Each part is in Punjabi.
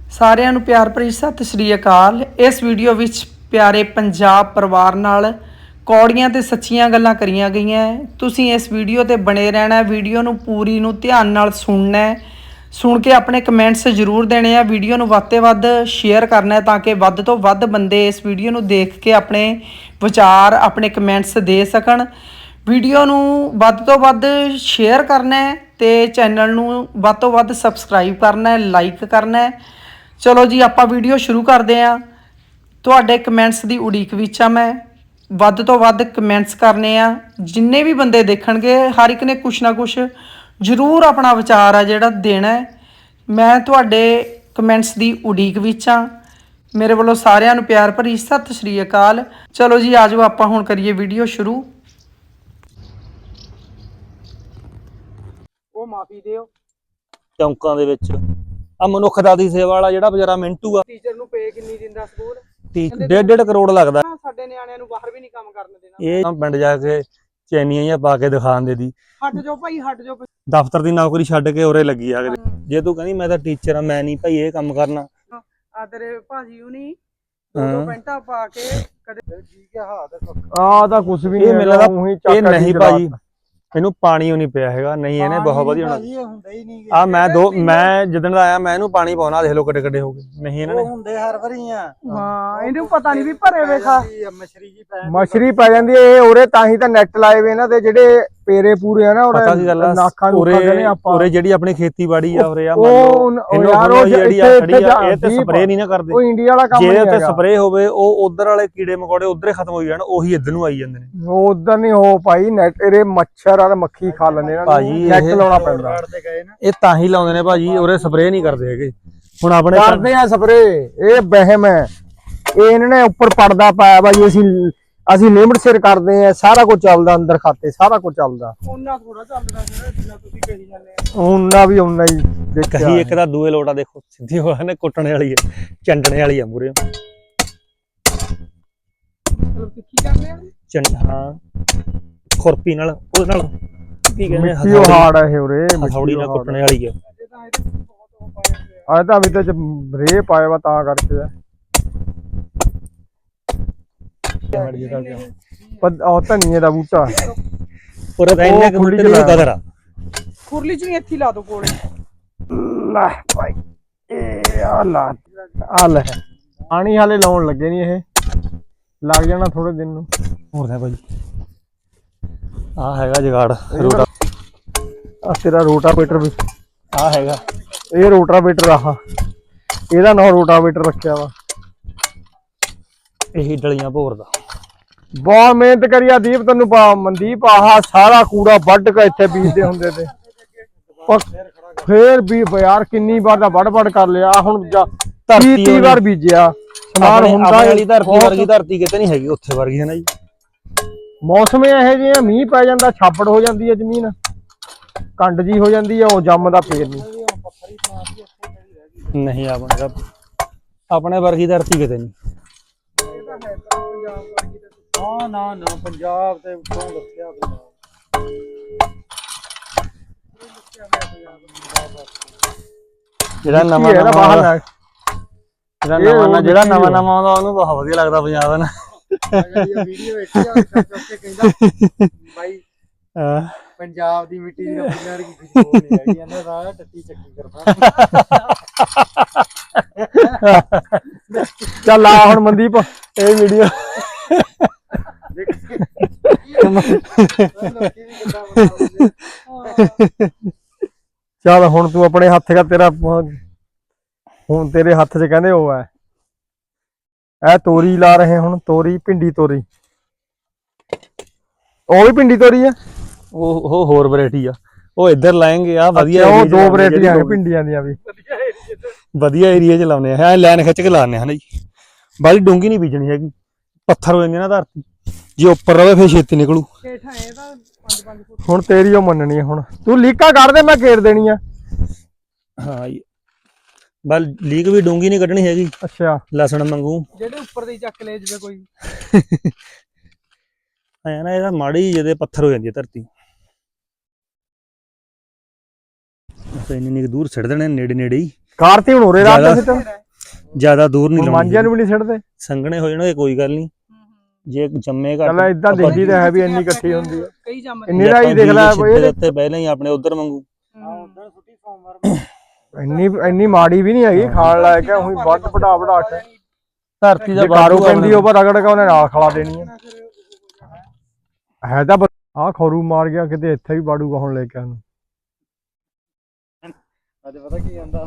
ਸਾਰਿਆਂ ਨੂੰ ਪਿਆਰ ਭਰੀ ਸਤਿ ਸ਼੍ਰੀ ਅਕਾਲ। ਇਸ ਵੀਡੀਓ ਵਿੱਚ ਪਿਆਰੇ ਪੰਜਾਬ ਪਰਿਵਾਰ ਨਾਲ ਕੌੜੀਆਂ ਤੇ ਸੱਚੀਆਂ ਗੱਲਾਂ ਕਰੀਆਂ ਗਈਆਂ। ਤੁਸੀਂ ਇਸ ਵੀਡੀਓ ਤੇ ਬਣੇ ਰਹਿਣਾ। ਵੀਡੀਓ ਨੂੰ ਪੂਰੀ ਨੂੰ ਧਿਆਨ ਨਾਲ ਸੁਣਨਾ ਹੈ। ਸੁਣ ਕੇ ਆਪਣੇ ਕਮੈਂਟਸ ਜ਼ਰੂਰ ਦੇਣੇ ਆ। ਵੀਡੀਓ ਨੂੰ ਵੱਧ ਤੋਂ ਵੱਧ ਸ਼ੇਅਰ ਕਰਨਾ ਤਾਂ ਕਿ ਵੱਧ ਤੋਂ ਵੱਧ ਬੰਦੇ ਇਸ ਵੀਡੀਓ ਨੂੰ ਦੇਖ ਕੇ ਆਪਣੇ ਵਿਚਾਰ ਆਪਣੇ ਕਮੈਂਟਸ ਦੇ ਸਕਣ। ਵੀਡੀਓ ਨੂੰ ਵੱਧ ਤੋਂ ਵੱਧ ਸ਼ੇਅਰ ਕਰਨਾ ਹੈ ਤੇ ਚੈਨਲ ਨੂੰ ਵੱਧ ਤੋਂ ਵੱਧ ਸਬਸਕ੍ਰਾਈਬ ਕਰਨਾ ਹੈ, ਲਾਈਕ ਕਰਨਾ ਹੈ। ਚਲੋ ਜੀ ਆਪਾਂ ਵੀਡੀਓ ਸ਼ੁਰੂ ਕਰਦੇ ਹਾਂ। ਤੁਹਾਡੇ ਕਮੈਂਟਸ ਦੀ ਉਡੀਕ ਵਿੱਚ ਆ ਮੈਂ। ਵੱਧ ਤੋਂ ਵੱਧ ਕਮੈਂਟਸ ਕਰਨੇ ਆ। ਜਿੰਨੇ ਵੀ ਬੰਦੇ ਦੇਖਣਗੇ ਹਰ ਇੱਕ ਨੇ ਕੁਛ ਨਾ ਕੁਛ ਜ਼ਰੂਰ ਆਪਣਾ ਵਿਚਾਰ ਆ ਜਿਹੜਾ ਦੇਣਾ ਹੈ। ਮੈਂ ਤੁਹਾਡੇ ਕਮੈਂਟਸ ਦੀ ਉਡੀਕ ਵਿੱਚ ਆ। ਮੇਰੇ ਵੱਲੋਂ ਸਾਰਿਆਂ ਨੂੰ ਪਿਆਰ ਭਰੀ ਸਤਿ ਸ਼੍ਰੀ ਅਕਾਲ। ਚਲੋ ਜੀ ਆਜੋ ਆਪਾਂ ਹੁਣ ਕਰੀਏ ਵੀਡੀਓ ਸ਼ੁਰੂ। ਉਹ ਮਾਫੀ ਦਿਓ ਚੌਂਕਾਂ ਦੇ ਵਿੱਚ ਆ ਮਨੁੱਖਤਾ ਦੀ ਸੇਵਾ ਵਾਲਾ ਜਿਹੜਾ ਵਿਚਾਰਾ ਮਿੰਟੂ ਆ, ਟੀਚਰ ਨੂੰ ਪੇ ਕਿੰਨੀ ਦਿੰਦਾ ਸਕੂਲ? 1.5 ਕਰੋੜ ਲੱਗਦਾ। ਸਾਡੇ ਨਿਆਣਿਆਂ ਨੂੰ ਬਾਹਰ ਵੀ ਨਹੀਂ ਕੰਮ ਕਰਨ ਦੇਣਾ। ਇਹ ਪਿੰਡ ਜਾ ਕੇ ਚੈਨੀਆਂ ਜਿਹੀਆਂ ਪਾ ਕੇ ਦਿਖਾਣ ਦੇ ਦੀ ਹਟ ਜਾਓ ਭਾਈ, ਹਟ ਜਾਓ। ਦਫ਼ਤਰ ਦੀ ਨੌਕਰੀ ਛੱਡ ਕੇ ਉਰੇ ਲੱਗੀ ਆ। ਜੇ ਤੂੰ ਕਹਿੰਦੀ ਮੈਂ ਤਾਂ ਟੀਚਰ ਆ, ਮੈਂ ਨਹੀਂ ਭਾਈ ਇਹ ਕੰਮ ਕਰਨਾ। ਆ ਤੇਰੇ ਭਾਜੀ ਹੁਣੀ ਦੋ ਪੈਂਟਾਂ ਪਾ ਕੇ ਕਦੇ ਠੀਕ ਹੈ ਹਾਥ ਆ ਤਾਂ ਕੁਝ ਵੀ ਨਹੀਂ ਮਿਲਦਾ। ਇਹ ਨਹੀਂ ਭਾਜੀ, ਇਹਨੂੰ ਪਾਣੀ ਨਹੀਂ ਪਿਆ ਹੈਗਾ। ਨਹੀਂ ਇਹਨੇ ਬਹੁਤ ਵਧੀਆ ਹੋਣਾ। ਮੈਂ ਜਿੱਦਣ ਦਾ ਆਇਆ ਮੈਂ ਇਹਨੂੰ ਪਾਣੀ ਪਾਉਣਾ। ਦੇਖ ਲੋ ਕਿੱਡੇ ਕਿੱਡੇ ਹੋ ਗਏ। ਨਹੀਂ ਇਹਨਾਂ ਨੇ ਹੁੰਦੇ ਹਰ ਵਾਰੀ ਆ। ਹਾਂ ਇਹਨੂੰ ਪਤਾ ਨਹੀਂ ਵੀ ਭਰੇ ਵੇਖਾ ਮਛਰੀ ਪੈ ਜਾਂਦੀ ਹੈ। ਇਹ ਉਰੇ ਤਾਂ ਹੀ ਤਾਂ ਨੈਟ ਲਾਏ ਵੇ ਇਹਨਾਂ ਦੇ ਜਿਹੜੇ ਪੇਰੇ ਪੂਰੇ ਆ ਨਾ ਪਤਾ ਕੀ ਗੱਲ ਆ। ਨਾਖਾਂ ਨੂੰ ਕਹਿੰਦੇ ਆਪਾਂ ਉਰੇ ਜਿਹੜੀ ਆਪਣੀ ਖੇਤੀਬਾੜੀ ਆ ਉਰੇ ਆ ਉਹ ਯਾਰ ਉਹ ਜਿਹੜੀ ਆ ਖੜੀ ਆ ਇਹ ਤੇ ਸਪਰੇਅ ਨਹੀਂ ਨਾ ਕਰਦੇ। ਉਹ ਇੰਡੀਆ ਵਾਲਾ ਕੰਮ ਜੇ ਉੱਤੇ ਸਪਰੇਅ ਹੋਵੇ ਉਹ ਉਧਰ ਵਾਲੇ ਕੀੜੇ ਮਕੌੜੇ ਉਧਰ ਹੀ ਖਤਮ ਹੋ ਜਾਣ, ਉਹੀ ਇੱਧਰ ਨੂੰ ਆਈ ਜਾਂਦੇ ਨੇ। ਉਹ ਉਧਰ ਨਹੀਂ ਹੋ ਭਾਈ। ਨੈਟ ਇਹਦੇ ਮੱਛਰ ਆ ਮੱਖੀ ਖਾ ਲੈਂਦੇ ਇਹਨਾਂ ਨੂੰ। ਨੈਟ ਲਾਉਣਾ ਪੈਂਦਾ। ਇਹ ਤਾਂ ਹੀ ਲਾਉਂਦੇ ਨੇ ਭਾਜੀ, ਉਰੇ ਸਪਰੇਅ ਨਹੀਂ ਕਰਦੇ ਹੈਗੇ। ਹੁਣ ਆਪਣੇ ਕਰਦੇ ਆ ਸਪਰੇਅ। ਇਹ ਵਹਿਮ ਹੈ। ਇਹ ਇਹਨਾਂ ਨੇ ਉੱਪਰ ਪਰਦਾ ਪਾਇਆ ਭਾਈ। ਅਸੀਂ ਲਿਮਟ ਸਿਰ ਕਰਦੇ ਆ। ਸਾਰਾ ਕੁਝ ਚੱਲਦਾ ਅੰਦਰ ਖਾਤੇ, ਸਾਰਾ ਕੁਝ ਚੱਲਦਾ। ਉਹਨਾਂ ਥੋੜਾ ਚੱਲਦਾ ਜਿੰਨਾ ਤੁਸੀਂ ਕਹੀ ਜਾਂਦੇ ਆ। ਉਹਨਾਂ ਵੀ ਉਹਨਾਂ ਹੀ ਦੇਖਿਆ। ਕਹੀ ਇੱਕ ਤਾਂ ਦੂਏ ਲੋਟਾ ਦੇਖੋ ਸਿੱਧੀ ਹੋਇਆ ਨੇ, ਕੁੱਟਣੇ ਵਾਲੀ ਹੈ, ਚੰਡਣੇ ਵਾਲੀ ਆ ਮੂਰੇ। ਮਤਲਬ ਤਿੱਖੀ ਕਰਦੇ ਆ। ਹਾਂ ਖੁਰਪੀ ਨਾਲ, ਉਹਦੇ ਨਾਲ ਕੀ ਕਹਿੰਦੇ ਮਿੱਟੀ ਉਹ ਹਾਰਡ ਹੈ ਇਹ ਉਰੇ। ਹਥੌੜੀ ਨਾਲ ਕੁੱਟਣੇ ਵਾਲੀ ਆ। ਆ ਤਾਂ ਵੀ ਤਾਂ ਰੇ ਪਾਇਆ ਵਾ ਤਾਂ ਕਰਕੇ ਆ। ਉਹ ਧਨੀਏ ਦਾ ਬੂਟਾ ਪੂਰਾ ਤਾਂ ਇੰਨੇ ਕੁ ਬੂਟੇ ਦੀ ਕਦਰ ਆ। ਖੁਰਲੀ ਚ ਇੱਥੇ ਲਾ ਦੋ ਕੋਲੇ। ਲੈ ਭਾਈ ਇਹ ਆ ਲੈ ਪਾਣੀ ਹਾਲੇ ਲਾਉਣ ਲੱਗੇ ਨਹੀਂ। ਇਹ ਲੱਗ ਜਾਣਾ ਥੋੜੇ ਦਿਨ ਨੂੰ। ਹੋਰ ਹੈ ਭਾਈ ਆ ਹੈਗਾ ਜਗਾੜ ਰੋਟਾ। ਆ ਤੇਰਾ ਰੋਟਾਵੇਟਰ ਵੀ ਆ ਹੈਗਾ। ਇਹ ਰੋਟਾਵੇਟਰ ਆਹ ਇਹਦਾ ਨਾਂ ਰੋਟਾਵੇਟਰ ਰੱਖਿਆ ਵਾ। ਇਹੀ ਡਲੀਆਂ ਭੋਰ ਦਾ। ਬਹੁਤ ਮਿਹਨਤ ਕਰੀ ਆ ਦੀਪ। ਤੈਨੂੰ ਮਨਦੀਪ ਆਹ ਸਾਰਾ ਕੂੜਾ ਵੱਢ ਕੇ ਇੱਥੇ ਬੀਜਦੇ ਹੁੰਦੇ ਤੇ ਫੇਰ ਵੀ ਯਾਰ ਕਿੰਨੀ ਵਾਰ ਦਾ ਵੱਢ ਕਰ ਲਿਆ। ਹੁਣ 30 ਵਾਰ ਬੀਜਿਆ ਸਮਾਨ ਹੁੰਦਾ। ਵਾਲੀ ਧਰਤੀ ਵਰਗੀ ਧਰਤੀ ਕਿਤੇ ਨਹੀਂ ਹੈਗੀ ਉੱਥੇ ਵਰਗੀ ਹੈ ਨਾ ਜੀ। ਮੌਸਮ ਇਹੋ ਜਿਹੇ ਮੀਂਹ ਪੈ ਜਾਂਦਾ, ਛਾਪੜ ਹੋ ਜਾਂਦੀ ਹੈ ਜ਼ਮੀਨ, ਕੰਡ ਜੀ ਹੋ ਜਾਂਦੀ ਹੈ, ਉਹ ਜੰਮਦਾ ਫੇਰ ਨਹੀਂ। ਆਪਣੇ ਵਰਗੀ ਧਰਤੀ ਕਿਤੇ ਨਹੀਂ। ਨਾ ਪੰਜਾਬ ਤੇ ਉੱਤੋਂ ਦੱਸਿਆ ਜਿਹੜਾ ਨਵਾਂ ਨਵਾਂ ਆਉਂਦਾ ਉਹਨੂੰ ਬਹੁਤ ਵਧੀਆ ਲੱਗਦਾ ਪੰਜਾਬ ਨਾ। ਭਾਈ ਪੰਜਾਬ ਦੀ ਮਿੱਟੀ ਦੀ ਆਪਣੀ ਵਰਗੀ ਖੁਸ਼ਬੂ ਨਹੀਂ ਹੈਗੀ। ਇਹਨਾਂ ਦਾ ਟੱਟੀ ਚੱਕੀ ਕਰਦਾ। ਚੱਲ ਆ ਹੁਣ ਮਨਦੀਪ ਇਹ ਵੀਡੀਓ ਚੱਲ ਹੁਣ ਤੂੰ ਆਪਣੇ ਹੱਥ ਦਾ ਤੇਰਾ ਹੁਣ ਤੇਰੇ ਹੱਥ 'ਚ ਕਹਿੰਦੇ ਉਹ ਹੈ। ਇਹ ਤੋਰੀ ਲਾ ਰਹੇ ਹੁਣ। ਤੋਰੀ ਭਿੰਡੀ ਤੋਰੀ ਉਹ ਵੀ ਭਿੰਡੀ ਤੋਰੀ ਆ। ਉਹ ਹੋਰ ਵੈਰਾਈਟੀ ਆ। ਉਹ ਇੱਧਰ ਲਾਏਂਗੇ ਆ ਵਧੀਆ। ਉਹ ਦੋ ਵੈਰਾਈਟੀਆਂ ਨੇ ਭਿੰਡੀਆਂ ਦੀਆਂ ਵੀ। ਵਧੀਆ ਏਰੀਆ 'ਚ ਲਾਉਣੇ ਆ। ਲਾਈਨ ਖਿੱਚ ਕੇ ਲਾਉਂਦੇ ਹਨ ਜੀ। ਬਾਲੀ ਡੂੰਗੀ ਨਹੀਂ ਬੀਜਣੀ ਹੈਗੀ, ਪੱਥਰ ਹੋ ਜਾਂਦੇ ਨਾ ਧਰਤੀ। ਜੇ ਉੱਪਰ ਰਵੇ ਫੇਰ ਛੇਤੀ ਨਿਕਲੂ। ਹੁਣ ਤੇਰੀ ਉਹ ਮੰਨਣੀ ਹੈ। ਹੁਣ ਤੂੰ ਲੀਕਾਂ ਕੱਢ ਦੇ, ਮੈਂ ਘੇਰ ਦੇਣੀ ਆ। ਹਾਂ ਬਲ ਲੀਕ ਵੀ ਡੂੰਗੀ ਨਹੀਂ ਕੱਢਣੀ ਹੈਗੀ। ਅੱਛਾ ਲਸਣ ਮੰਗੂ ਜਿਹੜੇ ਉੱਪਰ ਦੀ ਚੱਕ ਲੈ ਜਿਵੇਂ ਕੋਈ ਐ ਨਾ। ਇਹਦਾ ਮਾੜੀ ਜਿਹੇ ਪੱਥਰ ਹੋ ਜਾਂਦੀ ਹੈ ਧਰਤੀ। ਇੰਨੀ ਦੂਰ ਛੱਡ ਦੇਣੇ ਨੇੜੇ ਨੇੜੇ ਹੀ। ਕਾਰ ਤੇ ਹੁਣ ਉਰੇ ਰਾਤ ਦਾ ਸਿੱਟਣ ਜ਼ਿਆਦਾ ਦੂਰ ਨਹੀਂ ਮਾਂਜਿਆਂ ਨੂੰ ਵੀ ਨਹੀਂ ਸਿੱਟਦੇ ਸੰਘਣੇ ਹੋ ਜਾਣਗੇ ਕੋਈ ਗੱਲ ਨਹੀਂ ਜੇ ਜੰਮੇ ਘੱਟ ਚੱਲ ਇਦਾਂ ਦੇਖੀ ਤਾਂ ਹੈ ਵੀ ਇੰਨੀ ਇਕੱਠੀ ਹੁੰਦੀ ਹੈ ਕਈ ਜੰਮ ਇੰਨੀ ਦਾ ਹੀ ਦੇਖ ਲੈ ਇਹਦੇ ਉੱਤੇ ਪਹਿਲਾਂ ਹੀ ਆਪਣੇ ਉਧਰ ਵਾਂਗੂ ਇੰਨੀ ਮਾੜੀ ਵੀ ਨਹੀਂ ਹੈਗੀ ਖਾਣ ਲਾਇਕ ਹੈ ਉਹੀ ਵੱਧ ਵਡਾ ਕੇ ਧਰਤੀ ਦਾ ਕਾਰੂ ਪੈਂਦੀ ਉਹ ਪਰ ਰਗੜ ਕੇ ਉਹਨੇ ਨਾਲ ਖਲਾ ਦੇਣੀ ਹੈ ਤਾਂ ਆਹ ਖਰੂ ਮਾਰ ਗਿਆ ਕਿਤੇ ਇੱਥੇ ਵੀ ਬਾੜੂਗਾ ਹੁਣ ਲੈ ਕੇ ਉਹਨੂੰ ਅੱਜ ਪਤਾ ਕੀ ਕਹਿੰਦਾ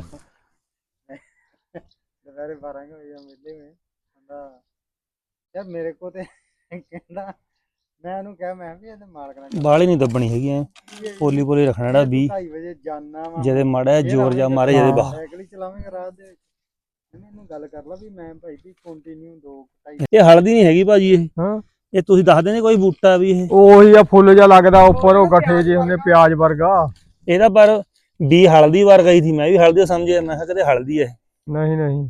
ਦੁਪਹਿਰੇ 12 ਵਜੇ ਮੇਲੇ में ਕਹਿੰਦਾ ਯਾਰ ਮੇਰੇ ਕੋ ਤੇ ਕਹਿੰਦਾ ਮੈਂ ਉਹਨੂੰ ਕਿਹਾ ਮੈਂ ਵੀ ਇਹਦੇ ਮਾਲਕ ਨਾਲ ਬਾਲੀ ਨਹੀਂ ਦੱਬਣੀ ਹੈਗੀ ਐ ਪੋਲੀ ਪੋਲੀ ਰੱਖਣਾ ਜਿਹੜਾ 2:30 ਵਜੇ ਜਾਨਾ ਵਾ ਜਿਹਦੇ ਮਾੜਾ ਜ਼ੋਰ ਜਾ ਮਾਰੇ ਜਿਹਦੇ ਬਾਹਰ ਸਾਈਕਲ ਹੀ ਚਲਾਵੇਂਗਾ ਰਾਤ ਦੇ ਇਹਨੂੰ ਗੱਲ ਕਰ ਲਾ ਵੀ ਮੈਂ ਭਾਈ ਵੀ ਕੰਟੀਨਿਊ 2:30 ਇਹ ਹਲਦੀ ਨਹੀਂ ਹੈਗੀ ਭਾਜੀ ਇਹ ਹਾਂ ਇਹ ਤੁਸੀਂ ਦੱਸਦੇ ਨੇ ਕੋਈ ਬੂਟਾ ਵੀ ਇਹ ਉਹੀ ਆ ਫੁੱਲ ਜਿਹਾ ਲੱਗਦਾ ਉੱਪਰ ਉਹ ਗੱਠੇ ਜੇ ਹੁੰਦੇ ਪਿਆਜ਼ ਵਰਗਾ ਇਹਦਾ ਪਰ ਵੀ ਹਲਦੀ ਵਾਰ ਗਈ ਸੀ ਮੈਂ ਵੀ ਹਲਦੀ ਸਮਝਿਆ ਮੈਂ ਕਿਹਾ ਕਿਤੇ ਹਲਦੀ ਹੈ ਨਹੀਂ ਨਹੀਂ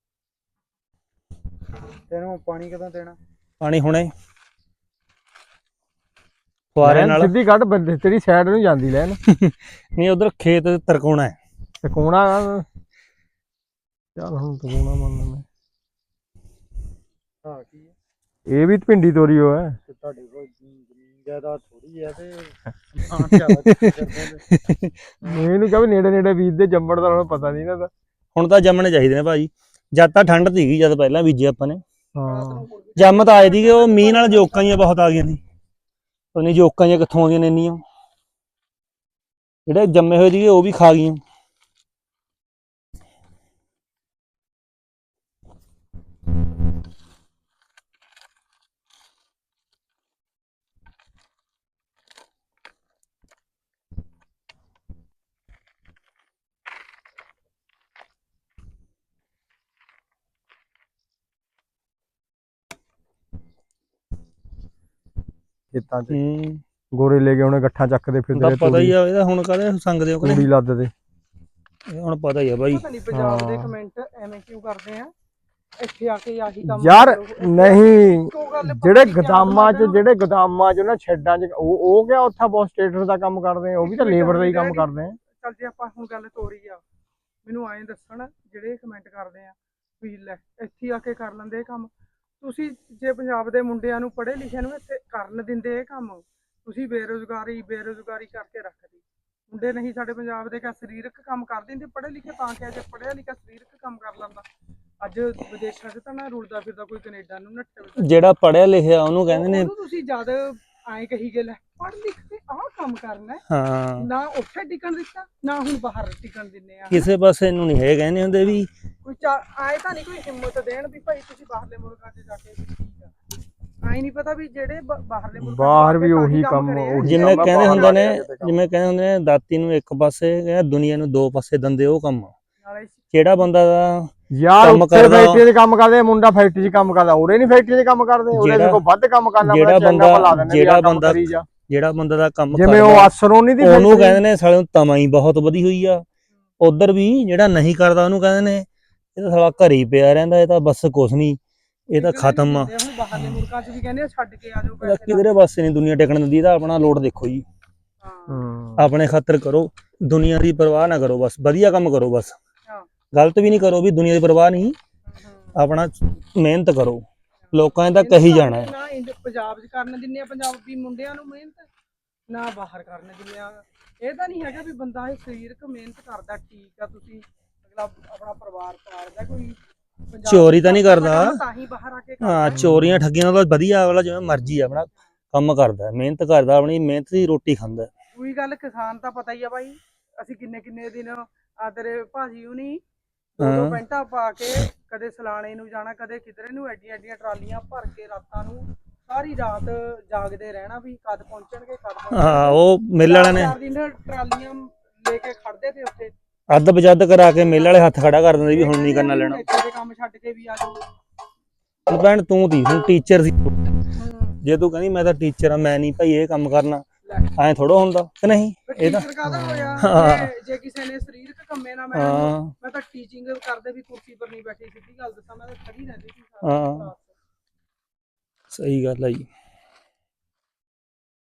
ਤੈਨੂੰ ਪਾਣੀ ਕਦੋਂ ਦੇਣਾ ਪਾਣੀ ਹੁਣੇ ਫੁਆਰੇ ਨਾਲ ਸਿੱਧੀ ਕੱਢ ਬੰਦੇ ਤੇਰੀ ਸਾਈਡ ਨੂੰ ਜਾਂਦੀ ਲੈਣ ਨਹੀਂ ਉਧਰ ਖੇਤ ਤਰਕੋਣਾ ਹੈ ਤੇ ਕੋਣਾ ਚੱਲ ਹੁਣ ਤਕੋਣਾ ਮੰਨ ਲੈ ਹਾਂ ਕੀ ਹੈ ਇਹ ਵੀ ਭਿੰਡੀ ਤੋਰੀ ਹੋ ਹੈ ਤੇ ਤੁਹਾਡੇ ਕੋਲ ਜ਼ਮੀਨ ਜ਼ਿਆਦਾ ਥੋੜੀ ਹੈ ਤੇ ਸਮਾਨ ਜ਼ਿਆਦਾ ਕਰਦੇ ਨੇ ਇਹਨੂੰ ਕਹੇ ਨੇੜੇ ਨੇੜੇ ਬੀਜ ਦੇ ਜੰਮਣ ਦਾ ਉਹਨੂੰ ਪਤਾ ਨਹੀਂ ਨਾ ਹੁਣ ਤਾਂ ਜੰਮਣੇ ਚਾਹੀਦੇ ਨੇ ਭਾਜੀ ਜਦ ਤਾਂ ਠੰਡ ਸੀਗੀ ਜਦ ਪਹਿਲਾਂ ਬੀਜੇ ਆਪਾਂ ਨੇ ਹਾਂ ਜੰਮ ਤਾਂ ਆਏ ਸੀਗੇ ਉਹ ਮੀਂਹ ਨਾਲ ਜੋਕਾਂ ਹੀ ਬਹੁਤ ਆ ਗਈਆਂ ਸੀ ਉਹਨੇ ਜੋਕਾਂ ਜਿਹੀਆਂ ਕਿੱਥੋਂ ਆਉਂਦੀਆਂ ਨੇ ਇੰਨੀਆਂ ਜਿਹੜੇ ਜੰਮੇ ਹੋਏ ਸੀਗੇ ਉਹ ਵੀ ਖਾ ਗਈਆਂ ਖੇਤਾਂ 'ਚ ਗੋਰੇ ਲੈ ਕੇ ਉਹਨੇ ਗੱਠਾਂ ਚੱਕਦੇ ਫਿਰਦੇ ਤਾਂ ਪਤਾ ਹੀ ਆ ਇਹਦਾ ਹੁਣ ਕਾਹਦੇ ਸੰਗਦੇ ਹੋ ਤੂੜੀ ਲੱਦਦੇ ਇਹ ਹੁਣ ਪਤਾ ਹੀ ਆ ਬਾਈ ਪਤਾ ਨਹੀਂ ਪੰਜਾਬ ਦੇ ਕਮੈਂਟ ਐਵੇਂ ਕਿਉਂ ਕਰਦੇ ਆ ਇੱਥੇ ਆ ਕੇ ਆਹੀ ਕੰਮ ਯਾਰ ਕਰੋ। ਨਹੀਂ ਇੱਕੋ ਗੱਲ ਜਿਹੜੇ ਪਤਾ ਨੀ ਗਦਾਮਾਂ 'ਚ ਕਿਆ ਜਿਹੜੇ ਗਦਾਮਾਂ 'ਚ ਉਹਨਾਂ ਸ਼ੈੱਡਾਂ 'ਚ ਉਹ ਕਿਆ ਉੱਥੇ ਬਹੁਤ ਸਟੇਟਸ ਦਾ ਕੰਮ ਕਰਦੇ ਆ ਉਹ ਵੀ ਤਾਂ ਲੇਬਰ ਦਾ ਹੀ ਕੰਮ ਕਰਦੇ ਆ ਚੱਲ ਜੇ ਆਪਾਂ ਹੁਣ ਗੱਲ ਤੋਰੀ ਆ ਮੈਨੂੰ ਐਂ ਦੱਸਣ ਜਿਹੜੇ ਕਮੈਂਟ ਕਰਦੇ ਆ ਵੀ ਲੈ ਇੱਥੇ ਆ ਕੇ ਕਰ ਲੈਂਦੇ ਇਹ ਕੰਮ ਤੁਸੀਂ ਜੇ ਪੰਜਾਬ ਦੇ ਮੁੰਡਿਆਂ ਨੂੰ ਪੜ੍ਹੇ ਲਿਖੇ ਨੂੰ ਇੱਥੇ ਕਰਨ ਦਿੰਦੇ ਇਹ ਕੰਮ ਤੁਸੀਂ ਬੇਰੁਜ਼ਗਾਰੀ ਕਰਕੇ ਰੱਖਦੇ ਮੁੰਡੇ ਨਹੀਂ ਸਾਡੇ ਪੰਜਾਬ ਦੇ ਕਾ ਸਰੀਰਕ ਕੰਮ ਕਰ ਦਿੰਦੇ ਪੜ੍ਹੇ ਲਿਖੇ ਤਾਂ ਕਿ ਜੇ ਪੜ੍ਹਿਆ ਲਿਖਿਆ ਸਰੀਰਕ ਕੰਮ ਕਰ ਲੈਂਦਾ ਅੱਜ ਵਿਦੇਸ਼ਾਂ 'ਚ ਤਾਂ ਨਾ ਰੁਲਦਾ ਫਿਰਦਾ ਕੋਈ ਕੈਨੇਡਾ ਨੂੰ ਨੱਠੇ ਜਿਹੜਾ ਪੜਿਆ ਲਿਖਿਆ ਉਹਨੂੰ ਕਹਿੰਦੇ ਨੇ ਉਹਨੂੰ ਤੁਸੀਂ ਜਦ ਐਂ ਕਹੀ ਗਏ ਲੈ ਪੜ੍ਹ ਲਿਖ ਕੇ ਆਹ ਕੰਮ ਕਰਨਾ ਹੈ। ਹਾਂ ਨਾ ਉੱਥੇ ਟਿਕਣ ਦਿੱਤਾ ਨਾ ਹੁਣ ਬਾਹਰ ਟਿਕਣ ਦਿੰਨੇ ਆ ਕਿਸੇ ਪਾਸੇ ਨੂੰ ਨਹੀਂ ਹੈ ਕਹਿੰਦੇ ਹੁੰਦੇ ਵੀ ਕੋਈ ਆਏ ਤਾਂ ਨਹੀਂ ਕੋਈ ਹਿੰਮਤ ਦੇਣ ਵੀ ਭਾਈ ਤੁਸੀਂ ਬਾਹਰਲੇ ਮੁਲਕਾਂ 'ਚ ਜਾ ਕੇ ਵੀ ਠੀਕ ਆ ਆਈ ਨਹੀਂ ਪਤਾ ਵੀ ਜਿਹੜੇ ਬਾਹਰਲੇ ਮੁਲਕਾਂ 'ਚ ਬਾਹਰ ਜਾ ਵੀ ਕੇ ਉਹੀ ਤਾਂ ਕੰਮ ਕਰੇ ਆ। ਉਹੀ ਜਿਵੇਂ ਕੰਮ ਕਹਿੰਦੇ ਬਾਹਰ ਹੁੰਦੇ ਨੇ ਜਾ ਕੇ ਕੰਮ। ਜਿਵੇਂ ਕਹਿੰਦੇ ਹੁੰਦੇ ਨੇ ਦਾਤੀ ਨੂੰ ਇੱਕ ਪਾਸੇ ਦੁਨੀਆ ਨੂੰ ਦੋ ਪਾਸੇ ਦੰਦੇ ਉਹ ਕੰਮ ਆ। ਨਾਲੇ ਜਿਹੜਾ ਬੰਦਾ ਦਾ ਯਾਰ ਕੰਮ ਉੱਥੇ ਕਰਦਾ- ਫੈਕਟਰੀ 'ਚ ਕੰਮ ਕਰਦੇ ਮੁੰਡਾ ਫੈਕਟਰੀ 'ਚ ਕੰਮ ਕਰਦਾ ਉਰੇ ਨਹੀਂ ਫੈਕਟਰੀ 'ਚ ਕੰਮ ਕਰਦੇ ਉਰੇ ਜਿਹੜਾ- ਦੇਖੋ ਵੱਧ ਕੰਮ ਕਰਨਾ ਜਿਹੜਾ ਪੈਂਦਾ, ਚੰਗਾ ਭਲਾ ਦਿੰਦੇ ਵੀ ਜਿਹੜਾ ਆਹ ਕੰਮ ਬੰਦਾ- ਕਰੀ ਜਾ। ਜਿਹੜਾ ਬੰਦਾ ਦਾ ਕੰਮ ਜਿਵੇਂ ਉਹ ਕਰਦਾ ਅਸਰੋਂ ਨਹੀਂ ਦੀ ਉਹਨੂੰ factory- ਕਹਿੰਦੇ ਨੇ ਸਾਲੇ ਨੂੰ ਤਮਾ ਹੀ ਬਹੁਤ ਵਧੀ ਹੋਈ ਆ ਉਧਰ ਵੀ ਜਿਹੜਾ ਨਹੀਂ ਕਰਦਾ ਉਹਨੂੰ ਕਹਿੰਦੇ ਨੇ ਇਹ ਤਾਂ ਸਾਲਾ ਘਰੇ ਹੀ ਪਿਆ ਰਹਿੰਦਾ ਇਹ ਤਾਂ ਬਸ ਕੁਛ ਨਹੀਂ ਇਹ ਤਾਂ ਖਤਮ ਆ ਹੁਣ ਬਾਹਰਲੇ ਮੁਲਕਾਂ 'ਚ ਵੀ ਕਹਿੰਦੇ ਆ ਛੱਡ ਕੇ ਆ ਜਾਓ ਇਹਦਾ ਕਿਧਰੇ ਪਾਸੇ ਨਹੀਂ ਦੁਨੀਆ ਟਿਕਣ ਦਿੰਦੀ ਇਹਦਾ ਆਪਣਾ ਲੋਡ ਦੇਖੋ ਜੀ ਹਾਂ ਹੂੰ। ਆਪਣੇ ਖਾਤਰ ਕਰੋ ਦੁਨੀਆ ਦੀ ਪਰਵਾਹ ਨਾ ਕਰੋ ਬਸ ਵਧੀਆ ਕੰਮ ਕਰੋ ਬਸ ਹਾਂ। ਗਲਤ ਵੀ ਨਹੀਂ ਕਰੋ ਵੀ ਦੁਨੀਆ ਦੀ ਪਰਵਾਹ ਨਹੀਂ ਆਪਣਾ ਮਿਹਨਤ ਕਰੋ ਲੋਕਾਂ ਦਾ ਕਹੀ ਜਾਣਾ ਹੈ ਨਾ ਪੰਜਾਬ 'ਚ ਕਰਨ ਦਿੰਨੇ ਆ ਪੰਜਾਬੀ ਮੁੰਡਿਆਂ ਨੂੰ ਮਿਹਨਤ ਨਾ ਬਾਹਰ ਕਰਨ ਦਿੰਨੇ ਆ ਇਹ ਤਾਂ ਨਹੀਂ ਹੈਗਾ ਵੀ ਬੰਦਾ ਇਹ ਸਰੀਰਕ ਮਿਹਨਤ ਕਰਦਾ ਠੀਕ ਆ ਤੁਸੀਂ ਅਗਲਾ ਆਪਣਾ ਪਰਿਵਾਰ ਪਾਲਦਾ ਕੋਈ ਪੰਜਾਬ ਚੋਰੀ ਤਾਂ ਨਹੀਂ ਕਰਦਾ ਤਾਂ ਹੀ ਬਾਹਰ ਆ ਕੇ ਹਾਂ ਚੋਰੀਆਂ ਠੱਗੀਆਂ ਨਾਲ ਵਧੀਆ ਵਾਲਾ ਜਿਵੇਂ ਮਰਜ਼ੀ ਆਪਣਾ ਕੰਮ ਕਰਦਾ ਮਿਹਨਤ ਕਰਦਾ ਆਪਣੀ ਮਿਹਨਤ ਦੀ ਰੋਟੀ ਖਾਂਦਾ ਕੋਈ ਗੱਲ ਕਿਸਾਨ ਤਾਂ ਪਤਾ ਹੀ ਆ ਬਾਈ ਅਸੀਂ ਕਿੰਨੇ ਦਿਨ ਆਦਰੇ ਭਾਜੀ ਹੁਣੀ ਦੋ ਪੈਂਟਾਂ ਪਾ ਕੇ ਕਦੇ ਸਲਾਣੇ ਨੂੰ ਜਾਣਾ ਕਦੇ ਕਿਧਰੇ ਨੂੰ ਐਡੀਆਂ ਟਰਾਲੀਆਂ ਭਰ ਕੇ ਰਾਤਾਂ ਨੂੰ ਸਾਰੀ ਰਾਤ ਜਾਗਦੇ ਰਹਿਣਾ ਵੀ ਕਦ ਪਹੁੰਚਣਗੇ ਹਾਂ ਉਹ ਮਿਲ ਵਾਲਿਆਂ ਨੇ 4 ਦਿਨ ਟਰਾਲੀਆਂ ਲੈ ਕੇ ਖੜਦੇ ਤੇ ਉੱਥੇ ਅੱਧ ਬਜੱਦ ਕਰਾ ਕੇ ਮੇਲੇ ਵਾਲੇ ਹੱਥ ਖੜਾ ਕਰ ਦਿੰਦੇ ਵੀ ਹੁਣ ਨਹੀਂ ਕਰਨਾ ਲੈਣਾ ਇੱਥੇ ਦੇ ਕੰਮ ਛੱਡ ਕੇ ਵੀ ਆ ਜਾਓ ਭੈਣ ਤੂੰ ਤੀ ਹੁਣ ਟੀਚਰ ਸੀ ਜੇ ਤੂੰ ਕਹਿੰਦੀ ਮੈਂ ਤਾਂ ਟੀਚਰ ਆ ਮੈਂ ਨਹੀਂ ਭਾਈ ਇਹ ਕੰਮ ਕਰਨਾ ਐਂ ਥੋੜਾ ਹੁੰਦਾ ਕਿ ਨਹੀਂ ਇਹ ਤਾਂ ਜੇ ਕਿਸੇ ਨੇ ਸਰੀਰਕ ਕੰਮੇ ਨਾ ਹਾਂ ਮੈਂ ਤਾਂ ਟੀਚਿੰਗ ਕਰਦੇ ਵੀ ਕੁਰਸੀ ਪਰ ਨਹੀਂ ਬੈਠੀ ਸਿੱਧੀ ਗੱਲ ਦੱਸਾਂ ਮੈਂ ਤਾਂ ਖੜੀ ਰਹਿੰਦੀ ਸੀ ਹਾਂ ਸਹੀ ਗੱਲ ਹੈ ਜੀ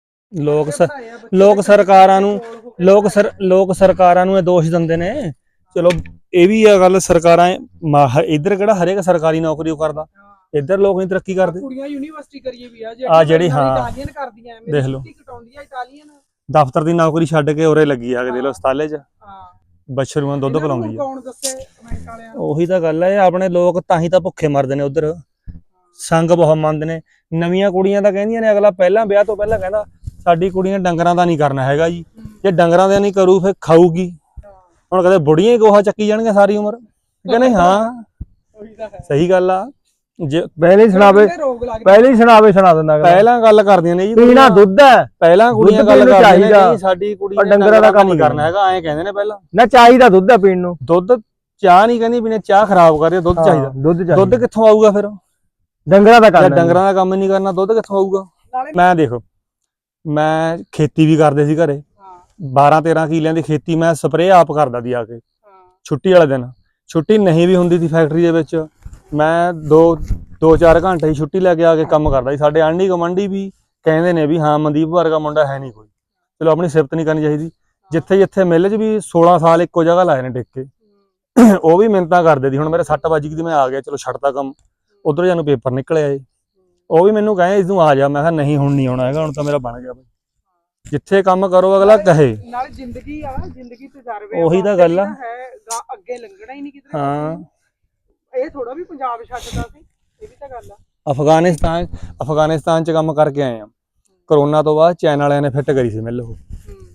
ਲੋਕ ਸਰਕਾਰਾਂ ਨੂੰ ਲੋਕ ਸਰਕਾਰਾਂ ਨੂੰ ਇਹ ਦੋਸ਼ ਦਿੰਦੇ ਨੇ ਚਲੋ ਇਹ ਵੀ ਆ ਗੱਲ, ਸਰਕਾਰਾਂ ਇੱਧਰ ਕਿਹੜਾ ਹਰੇਕ ਸਰਕਾਰੀ ਨੌਕਰੀ ਉਹ ਕਰਦਾ, ਇੱਧਰ ਲੋਕ ਨਹੀਂ ਤਰੱਕੀ ਕਰਦੇ। ਕੁੜੀਆਂ ਯੂਨੀਵਰਸਿਟੀ ਕਰੀਏ ਵੀ ਆ ਜਿਹੜੀ ਹਾਂ ਇਟਾਲੀਅਨ ਕਰਦੀਆਂ, ਦੇਖ ਲਓ ਕਟਾਉਂਦੀਆਂ ਇਟਾਲੀਅਨ, ਦਫ਼ਤਰ ਦੀ ਨੌਕਰੀ ਛੱਡ ਕੇ ਉਰੇ ਲੱਗੀ ਆ ਕੇ ਦੇਖ ਲਓ ਹਸਪਤਾਲੇ 'ਚ ਹਾਂ ਬੱਛਰੂ ਨੂੰ ਦੁੱਧ ਪਿਲਾਉਂਦੀ ਆ। ਕੌਣ ਦੱਸੇ ਕਮੈਂਟ ਵਾਲਿਆਂ ਨੂੰ। ਉਹੀ ਤਾਂ ਗੱਲ ਹੈ, ਆਪਣੇ ਲੋਕ ਤਾਂ ਹੀ ਤਾਂ ਭੁੱਖੇ ਮਰਦੇ ਨੇ ਉਧਰ, ਸੰਗ ਬਹੁਤ ਮੰਨਦੇ ਨੇ। ਨਵੀਆਂ ਕੁੜੀਆਂ ਤਾਂ ਕਹਿੰਦੀਆਂ ਨੇ, ਅਗਲਾ ਪਹਿਲਾਂ ਵਿਆਹ ਤੋਂ ਪਹਿਲਾਂ ਕਹਿੰਦਾ ਸਾਡੀ ਕੁੜੀ ਨੇ ਡੰਗਰਾਂ ਦਾ ਨਹੀਂ ਕਰਨਾ ਹੈਗਾ ਜੀ, ਜੇ ਡੰਗਰਾਂ ਦਾ ਨਹੀਂ ਕਰੂ ਫਿਰ ਖਾਊਗੀ। ਹੁਣ ਕਦੇ ਬੁੜੀਆਂ ਹੀ ਗੋਹਾ ਚੱਕੀ ਜਾਣਗੀਆਂ ਸਾਰੀ ਉਮਰ, ਕਹਿੰਦੇ ਹਾਂ ਸਹੀ ਗੱਲ ਆ। ਜੇ ਪਹਿਲੇ ਹੀ ਸੁਣਾਵੇ, ਪਹਿਲੇ ਹੀ ਸੁਣਾ ਦਿੰਦਾ ਪਹਿਲਾਂ ਗੱਲ ਕਰਦੀਆਂ ਨੇ ਜੀ, ਪੀਣਾ ਦੁੱਧ ਹੈ, ਪਹਿਲਾਂ ਕੁੜੀਆਂ ਗੱਲ ਕਰਦੀਆਂ ਨੇ ਚਾਹੀਦਾ, ਨਹੀਂ ਸਾਡੀ ਕੁੜੀ ਨੇ ਡੰਗਰਾਂ ਦਾ ਕੰਮ ਨਹੀਂ ਕਰਨਾ ਹੈਗਾ, ਐਂ ਕਹਿੰਦੇ ਨੇ ਪਹਿਲਾਂ। ਨਾ ਚਾਹੀਦਾ ਦੁੱਧ ਹੈ ਪੀਣ ਨੂੰ, ਦੁੱਧ ਚਾਹ ਨਹੀਂ ਕਹਿੰਦੀ ਪੀਣੇ, ਚਾਹ ਖਰਾਬ ਕਰ ਰਹੀ, ਦੁੱਧ ਚਾਹੀਦਾ। ਦੁੱਧ ਕਿੱਥੋਂ ਆਊਗਾ ਫਿਰ, ਡੰਗਰਾਂ ਦਾ ਕੰਮ, ਡੰਗਰਾਂ ਦਾ ਕੰਮ ਨਹੀਂ ਕਰਨਾ ਦੁੱਧ ਕਿੱਥੋਂ ਆਊਗਾ। ਮੈਂ ਦੇਖੋ, ਮੈਂ ਖੇਤੀ ਵੀ ਕਰਦੇ ਸੀ ਘਰੇ, 12-13 ਕਿੱਲਿਆਂ ਦੀ ਖੇਤੀ ਮੈਂ ਸਪਰੇਅ ਆਪ ਕਰਦਾ ਸੀ ਆ ਕੇ ਛੁੱਟੀ ਵਾਲੇ ਦਿਨ। ਛੁੱਟੀ ਨਹੀਂ ਵੀ ਹੁੰਦੀ ਸੀ ਫੈਕਟਰੀ ਦੇ ਵਿੱਚ, ਮੈਂ 2-4 ਘੰਟੇ ਹੀ ਛੁੱਟੀ ਲੈ ਕੇ ਆ ਕੇ ਕੰਮ ਕਰਦਾ ਸੀ। ਸਾਡੇ ਆਂਢੀ ਗੁਆਂਢੀ ਵੀ ਕਹਿੰਦੇ ਨੇ ਵੀ ਹਾਂ ਮਨਦੀਪ ਵਰਗਾ ਮੁੰਡਾ ਹੈ ਨਹੀਂ ਕੋਈ। ਚਲੋ ਆਪਣੀ ਸਿਫਤ ਨਹੀਂ ਕਰਨੀ ਚਾਹੀਦੀ। ਜਿੱਥੇ ਜਿੱਥੇ ਮਿੱਲ 'ਚ ਵੀ 16 ਸਾਲ ਇੱਕੋ ਜਗ੍ਹਾ ਲਾਏ ਨੇ ਟਿਕ ਕੇ, ਉਹ ਵੀ ਮਿਹਨਤਾਂ ਕਰਦੇ ਸੀ। ਹੁਣ ਮੇਰੇ 6 ਵੱਜ ਗਈ ਮੈਂ ਆ ਗਿਆ, ਚਲੋ ਛੱਡਤਾ ਕੰਮ, ਉਧਰ ਜਾਨੂੰ ਪੇਪਰ ਨਿਕਲਿਆ ਏ, ਉਹ ਵੀ ਮੈਨੂੰ ਕਹੇ ਤੂੰ ਆ ਜਾ, ਮੈਂ ਕਿਹਾ ਨਹੀਂ ਹੁਣ ਨਹੀਂ ਆਉਣਾ ਹੈਗਾ, ਹੁਣ ਤਾਂ ਮੇਰਾ ਬਣ ਗਿਆ ਬਈ। ਜਿੱਥੇ ਕੰਮ ਕਰੋ ਅਗਲਾ ਕਹੇ, ਨਾਲ ਜ਼ਿੰਦਗੀ ਆ, ਜ਼ਿੰਦਗੀ ਤਜਰਬੇ, ਉਹੀ ਤਾਂ ਗੱਲ ਆ, ਅੱਗੇ ਲੰਘਣਾ ਹੀ ਨਹੀਂ ਕਿਤੇ। ਹਾਂ ਇਹ ਥੋੜਾ ਵੀ ਪੰਜਾਬ ਛੱਡਦਾ ਸੀ, ਇਹ ਵੀ ਤਾਂ ਗੱਲ ਆ। ਅਫਗਾਨਿਸਤਾਨ 'ਚ ਕੰਮ ਕਰਕੇ ਆਏ ਆ। ਕਰੋਨਾ ਤੋਂ ਬਾਅਦ ਚੈਨ ਵਾਲਿਆਂ ਨੇ ਫਿੱਟ ਕਰੀ ਸੀ ਮਿੱਲ, ਉਹ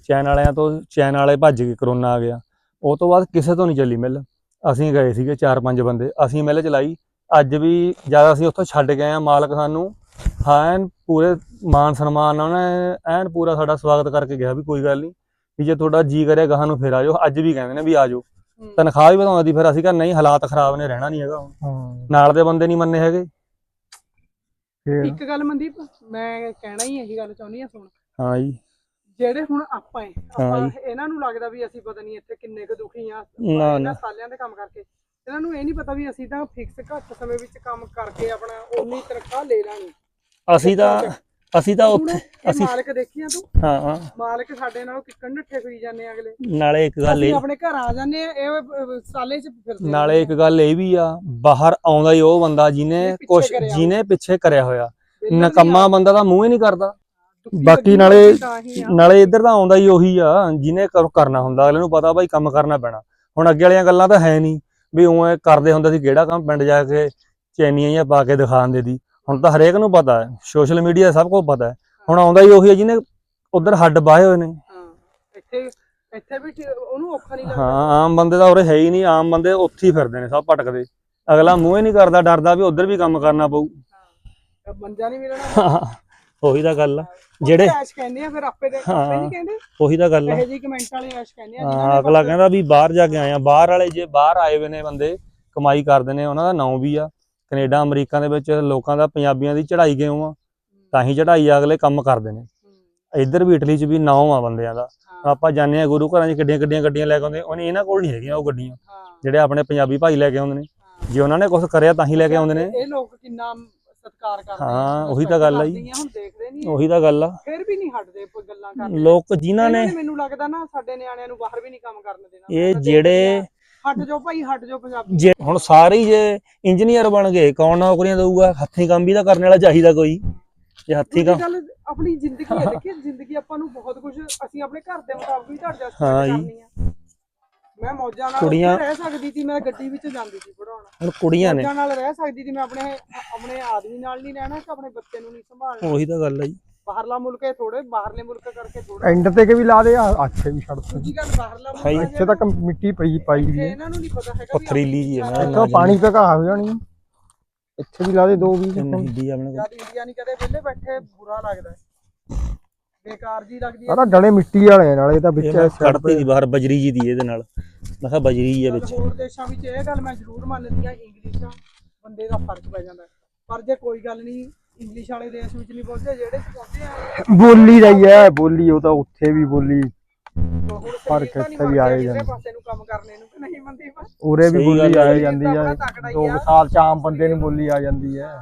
ਚੈਨ ਵਾਲੇ ਭੱਜ ਗਏ, ਕਰੋਨਾ ਆ ਗਿਆ, ਉਹ ਤੋਂ ਬਾਅਦ ਕਿਸੇ ਤੋਂ ਨਹੀਂ ਚੱਲੀ ਮਿੱਲ। ਅਸੀਂ ਗਏ ਸੀਗੇ 4-5 ਬੰਦੇ, ਅਸੀਂ ਮਿੱਲ ਚਲਾਈ। ਅੱਜ ਵੀ ਜਦ ਅਸੀਂ ਉੱਥੋਂ ਛੱਡ ਕੇ ਆਏ ਆ, ਮਾਲਕ ਸਾਨੂੰ ਐਨ ਪੂਰੇ ਮਾਨ ਸਨਮਾਨ ਨਾਲ ਐਨ ਪੂਰਾ ਸਾਡਾ ਸਵਾਗਤ ਕਰਕੇ ਗਿਆ ਵੀ ਕੋਈ ਗੱਲ ਨਹੀਂ, ਵੀ ਜੇ ਤੁਹਾਡਾ ਜੀ ਕਰੇ ਗਾਹਾਂ ਨੂੰ ਫਿਰ ਆ ਜਾਓ। ਅੱਜ ਵੀ ਕਹਿੰਦੇ ਨੇ ਵੀ ਆ ਜਾਓ, ਤਨਖਾਹ ਵੀ ਵਧਾਉਂਦੀ। ਫਿਰ ਅਸੀਂ ਕਹਿੰਦੇ ਨਹੀਂ, ਹਾਲਾਤ ਖਰਾਬ ਨੇ, ਰਹਿਣਾ ਨਹੀਂ ਹੈਗਾ ਹੁਣ। ਨਾਲ ਦੇ ਬੰਦੇ ਨਹੀਂ ਮੰਨੇ ਹੈਗੇ। ਇੱਕ ਗੱਲ ਮਨਦੀਪ, ਮੈਂ ਕਹਿਣਾ ਹੀ ਇਹੀ ਗੱਲ ਚਾਹੁੰਦੀ ਆ, ਸੁਣ। ਹਾਂ ਜੀ, ਜਿਹੜੇ ਹੁਣ ਆਪਾਂ ਇਹਨਾਂ ਨੂੰ ਲੱਗਦਾ ਵੀ ਅਸੀਂ ਪਤਾ ਨਹੀਂ ਇੱਥੇ ਕਿੰਨੇ ਕੁ ਦੁਖੀ ਆ ਇਹਨਾਂ ਸਾਲਿਆਂ ਦੇ ਕੰਮ ਕਰਕੇ। ਇਹਨਾਂ ਨੂੰ ਇਹ ਨਹੀਂ ਪਤਾ ਵੀ ਅਸੀਂ ਤਾਂ ਫਿਕਸ ਘੱਟ ਸਮੇਂ ਵਿੱਚ ਕੰਮ ਕਰਕੇ ਆਪਣਾ ਉਨੀ ਤਨਖਾਹ ਲੈ ਲਾਂਗੇ। ਅਸੀਂ ਤਾਂ ਉੱਥੇ ਅਸੀਂ ਮਾਲਕ ਦੇਖੀਆਂ ਤੂੰ, ਹਾਂ ਮਾਲਕ ਸਾਡੇ ਨਾਲ ਕਿੱਕਣ ਨੱਠੇ ਫਿਰੀ ਜਾਂਦੇ ਅਗਲੇ। ਨਾਲੇ ਇੱਕ ਗੱਲ ਇਹ, ਆਪਣੇ ਘਰ ਆ ਜਾਂਦੇ ਆ, ਇਹ ਸਾਲੇ 'ਚ ਫਿਰਦੇ। ਨਾਲੇ ਇੱਕ ਗੱਲ ਇਹ ਵੀ ਆ, ਬਾਹਰ ਆਉਂਦਾ ਹੀ ਉਹ ਬੰਦਾ ਜਿਹਨੇ ਪਿੱਛੇ ਕਰਿਆ ਹੋਇਆ। ਨਕੰਮਾ ਬੰਦਾ ਤਾਂ ਮੂੰਹ ਹੀ ਨਹੀਂ ਕਰਦਾ। ਬਾਕੀ ਨਾਲੇ ਇੱਧਰ ਤਾਂ ਆਉਂਦਾ ਹੀ ਉਹੀ ਆ ਜਿਹਨੇ ਕਰਨਾ ਹੁੰਦਾ। ਅਗਲੇ ਨੂੰ ਪਤਾ ਭਾਈ ਕੰਮ ਕਰਨਾ ਪੈਣਾ। ਹੁਣ ਅੱਗੇ ਵਾਲੀਆਂ ਗੱਲਾਂ ਤਾਂ ਹੈ ਨਹੀਂ ਵੀ ਉਵੇਂ ਕਰਦੇ ਹੁੰਦੇ ਸੀ, ਕਿਹੜਾ ਕੰਮ ਪਿੰਡ ਜਾ ਕੇ ਚੈਨੀਆਂ ਜਾਂ ਪਾ ਕੇ ਦਿਖਾਉਂਦੇ ਸੀ। ਹੁਣ ਤਾਂ ਹਰੇਕ ਨੂੰ ਪਤਾ ਹੈ, ਸੋਸ਼ਲ ਮੀਡੀਆ ਸਭ ਕੁਝ ਪਤਾ ਹੈ। ਹੁਣ ਆਉਂਦਾ ਹੀ ਉਹੀ ਹੈ ਜਿਹਨੇ ਉਧਰ ਹੱਡ ਬਾਹੇ ਹੋਏ ਨੇ। ਇੱਥੇ ਵੀ ਉਹਨੂੰ ਔਖਾ ਨਹੀਂ ਲੱਗਦਾ। ਹਾਂ, ਆਮ ਬੰਦੇ ਤਾਂ ਉਰੇ ਹੈ ਹੀ ਨਹੀਂ। ਆਮ ਬੰਦੇ ਉੱਥੇ ਹੀ ਫਿਰਦੇ ਨੇ, ਸਭ ਭਟਕਦੇ। ਅਗਲਾ ਮੂੰਹ ਹੀ ਨਹੀਂ ਕਰਦਾ, ਡਰਦਾ ਵੀ ਉਧਰ ਵੀ ਕੰਮ ਕਰਨਾ ਪਊ, ਮੰਜਾ ਨਹੀਂ ਮਿਲਣਾ। ਉਹੀ ਤਾਂ ਗੱਲ ਆ, ਜਿਹੜੇ ਐਸ਼ ਕਹਿੰਦੇ ਆ ਫਿਰ ਆਪੇ ਦੇ ਨਹੀਂ ਕਹਿੰਦੇ। ਉਹੀ ਤਾਂ ਗੱਲ ਆ, ਇਹ ਜੀ ਕਮੈਂਟ ਵਾਲੇ ਐਸ਼ ਕਹਿੰਦੇ ਆ। ਹਾਂ, ਅਗਲਾ ਕਹਿੰਦਾ ਵੀ ਬਾਹਰ ਜਾ ਕੇ ਆਏ ਆ। ਬਾਹਰ ਵਾਲੇ ਜੇ ਬਾਹਰ ਆਏ ਹੋਏ ਨੇ ਬੰਦੇ, ਕਮਾਈ ਕਰਦੇ ਨੇ, ਉਹਨਾਂ ਦਾ ਨਾਂ ਵੀ ਆ। ਕੈਨੇਡਾ ਅਮਰੀਕਾ ਦੇ ਵਿੱਚ ਲੋਕਾਂ ਦਾ, ਪੰਜਾਬੀਆਂ ਦੀ ਚੜਾਈ ਕਿਉਂ ਆ? ਤਾਂ ਹੀ ਚੜਾਈ ਆ, ਅਗਲੇ ਕੰਮ ਕਰਦੇ ਨੇ। ਇੱਧਰ ਵੀ ਇਟਲੀ 'ਚ ਵੀ ਨਾਂ ਆ ਬੰਦਿਆਂ ਦਾ। ਆਪਾਂ ਜਾਂਦੇ ਆ ਗੁਰੂ ਘਰਾਂ 'ਚ, ਕਿੱਡੀਆਂ ਗੱਡੀਆਂ ਲੈ ਕੇ ਆਉਂਦੇ। ਉਹਨੇ ਇਹਨਾਂ ਕੋਲ ਨਹੀਂ ਹੈਗੀਆਂ ਉਹ ਗੱਡੀਆਂ ਜਿਹੜੇ ਆਪਣੇ ਪੰਜਾਬੀ ਭਾਈ ਲੈ ਕੇ ਆਉਂਦੇ ਨੇ। ਜੇ ਉਹਨਾਂ ਨੇ ਕੁਝ ਕਰਿਆ ਤਾਂ ਹੀ ਲੈ ਕੇ ਆਉਂਦੇ ਨੇ। ਇਹ ਲੋਕ ਕਿੰਨਾ ਸਤਿਕਾਰ ਕਰਦੇ। ਹਾਂ, ਉਹੀ ਤਾਂ ਗੱਲ ਆ ਜੀ, ਉਹੀ ਤਾਂ ਗੱਲ ਆ। ਫਿਰ ਵੀ ਨਹੀਂ ਹਟਦੇ ਗੱਲਾਂ ਕਰਨ ਲੋਕ, ਜਿਨ੍ਹਾਂ ਨੇ, ਮੈਨੂੰ ਲੱਗਦਾ ਨਾ ਸਾਡੇ ਨਿਆਣਿਆਂ ਨੂੰ ਬਾਹਰ ਵੀ ਨਹੀਂ ਕੰਮ ਕਰਨ ਦੇਣਾ। ਇਹ ਜਿਹੜੇ ਹਟ ਜਾਓ ਭਾਈ, ਹਟ ਜਾਓ ਪੰਜਾਬੀ। ਹੁਣ ਸਾਰੇ ਜੇ ਇੰਜੀਨੀਅਰ ਬਣ ਗਏ, ਕੌਣ ਨੌਕਰੀਆਂ ਦਊਗਾ? ਹੱਥੀਂ ਕੰਮ ਵੀ ਤਾਂ ਕਰਨ ਵਾਲਾ ਚਾਹੀਦਾ ਕੋਈ। ਜੇ ਹੱਥੀਂ ਕੰਮ, ਆਪਣੀ ਜ਼ਿੰਦਗੀ ਹੈ, ਦੇਖੀ ਜ਼ਿੰਦਗੀ ਆਪਾਂ ਨੂੰ ਬਹੁਤ ਕੁਝ, ਅਸੀਂ ਆਪਣੇ ਘਰ ਦੇ ਮੁਤਾਬਕ ਵੀ ਐਡਜਸਟ ਕਰਨੀ ਆ। ਮੈਂ ਮੌਜਾਂ ਨਾਲ ਰਹਿ ਸਕਦੀ ਸੀ, ਮੈਂ ਗੱਡੀ ਵਿੱਚ ਜਾਂਦੀ ਸੀ ਪੜਾਉਣ। ਹੁਣ ਕੁੜੀਆਂ ਨੇ ਮੌਜਾਂ ਨਾਲ ਰਹਿ ਸਕਦੀ ਸੀ, ਮੈਂ ਆਪਣੇ ਆਦਮੀ ਨਾਲ ਨਹੀਂ ਰਹਿਣਾ ਕਿ ਆਪਣੇ ਬੱਚੇ ਨੂੰ ਨਹੀਂ ਸੰਭਾਲਣਾ। ਉਹੀ ਤਾਂ ਗੱਲ ਹੈ ਜੀ। ਬਾਹਰਲਾ ਮੁਲਕ ਹੈ, ਥੋੜੇ ਬਾਹਰਲੇ ਮੁਲਕ ਕਰਕੇ ਥੋੜਾ ਐਂਡ ਤੇ ਕੇ ਵੀ ਲਾ ਦੇ ਆ, ਅੱਛੇ ਵੀ ਛੱਡ ਦੂਜੀ ਗੱਲ ਬਾਹਰਲਾ ਮੁਲਕ ਇੱਥੇ ਤੱਕ ਮਿੱਟੀ ਪਾਈ ਵੀ ਹੈ। ਇਹਨਾਂ ਨੂੰ ਨਹੀਂ ਪਤਾ ਹੈਗਾ ਪਥਰੀਲੀ ਜੀ ਹੈ, ਇੱਥੋਂ ਪਾਣੀ ਤੇ ਘਾਹ ਹੋ ਜਾਣੀ। ਇੱਥੇ ਵੀ ਲਾ ਦੇ 2 ਵੀ। ਇੰਡੀਆ ਨਹੀਂ ਕਦੇ ਵਿਹਲੇ ਬੈਠੇ, ਬੁਰਾ ਲੱਗਦਾ, ਬੇਕਾਰ ਜੀ ਲੱਗਦੀ ਹੈ। ਆਹ ਡਲੇ ਮਿੱਟੀ ਵਾਲੇ ਨਾਲ, ਇਹ ਤਾਂ ਵਿੱਚ ਕੱਢਤੀ ਦੀ ਬਾਹਰ ਬਜਰੀ ਜੀ ਦੀ, ਇਹਦੇ ਨਾਲ ਮੈਂ ਕਿਹਾ ਬਜਰੀ ਹੈ ਵਿੱਚ। ਹੋਰ ਦੇਸ਼ਾਂ ਵਿੱਚ ਇਹ ਗੱਲ ਮੈਂ ਜ਼ਰੂਰ ਮੰਨਦੀ ਆ, ਇੰਗਲਿਸ਼ ਬੰਦੇ ਦਾ ਫਰਕ ਪੈ ਜਾਂਦਾ। ਪਰ ਜੇ ਕੋਈ ਗੱਲ ਨਹੀਂ, ਇੰਗਲਿਸ਼ ਵਾਲੇ ਦੇਸ਼ ਵਿੱਚ ਨਹੀਂ ਪਹੁੰਚੇ, ਜਿਹੜੇ ਪਹੁੰਚੇ ਆ ਬੋਲੀ ਦਾ ਹੀ ਹੈ। ਬੋਲੀ ਉਹ ਤਾਂ ਉੱਥੇ ਵੀ ਬੋਲੀ ਫਰਕ ਇੱਥੇ ਵੀ ਆਏ ਜਾਂਦੇ ਪਾਸੇ ਨੂੰ ਕੰਮ ਕਰਨੇ ਨੂੰ, ਨਹੀਂ ਮੰਦੀ ਉਰੇ ਵੀ ਬੋਲੀ ਆ ਜਾਂਦੀ ਹੈ। 2 ਸਾਲ ਚ ਆਮ ਬੰਦੇ ਨੂੰ ਬੋਲੀ ਆ ਜਾਂਦੀ ਹੈ।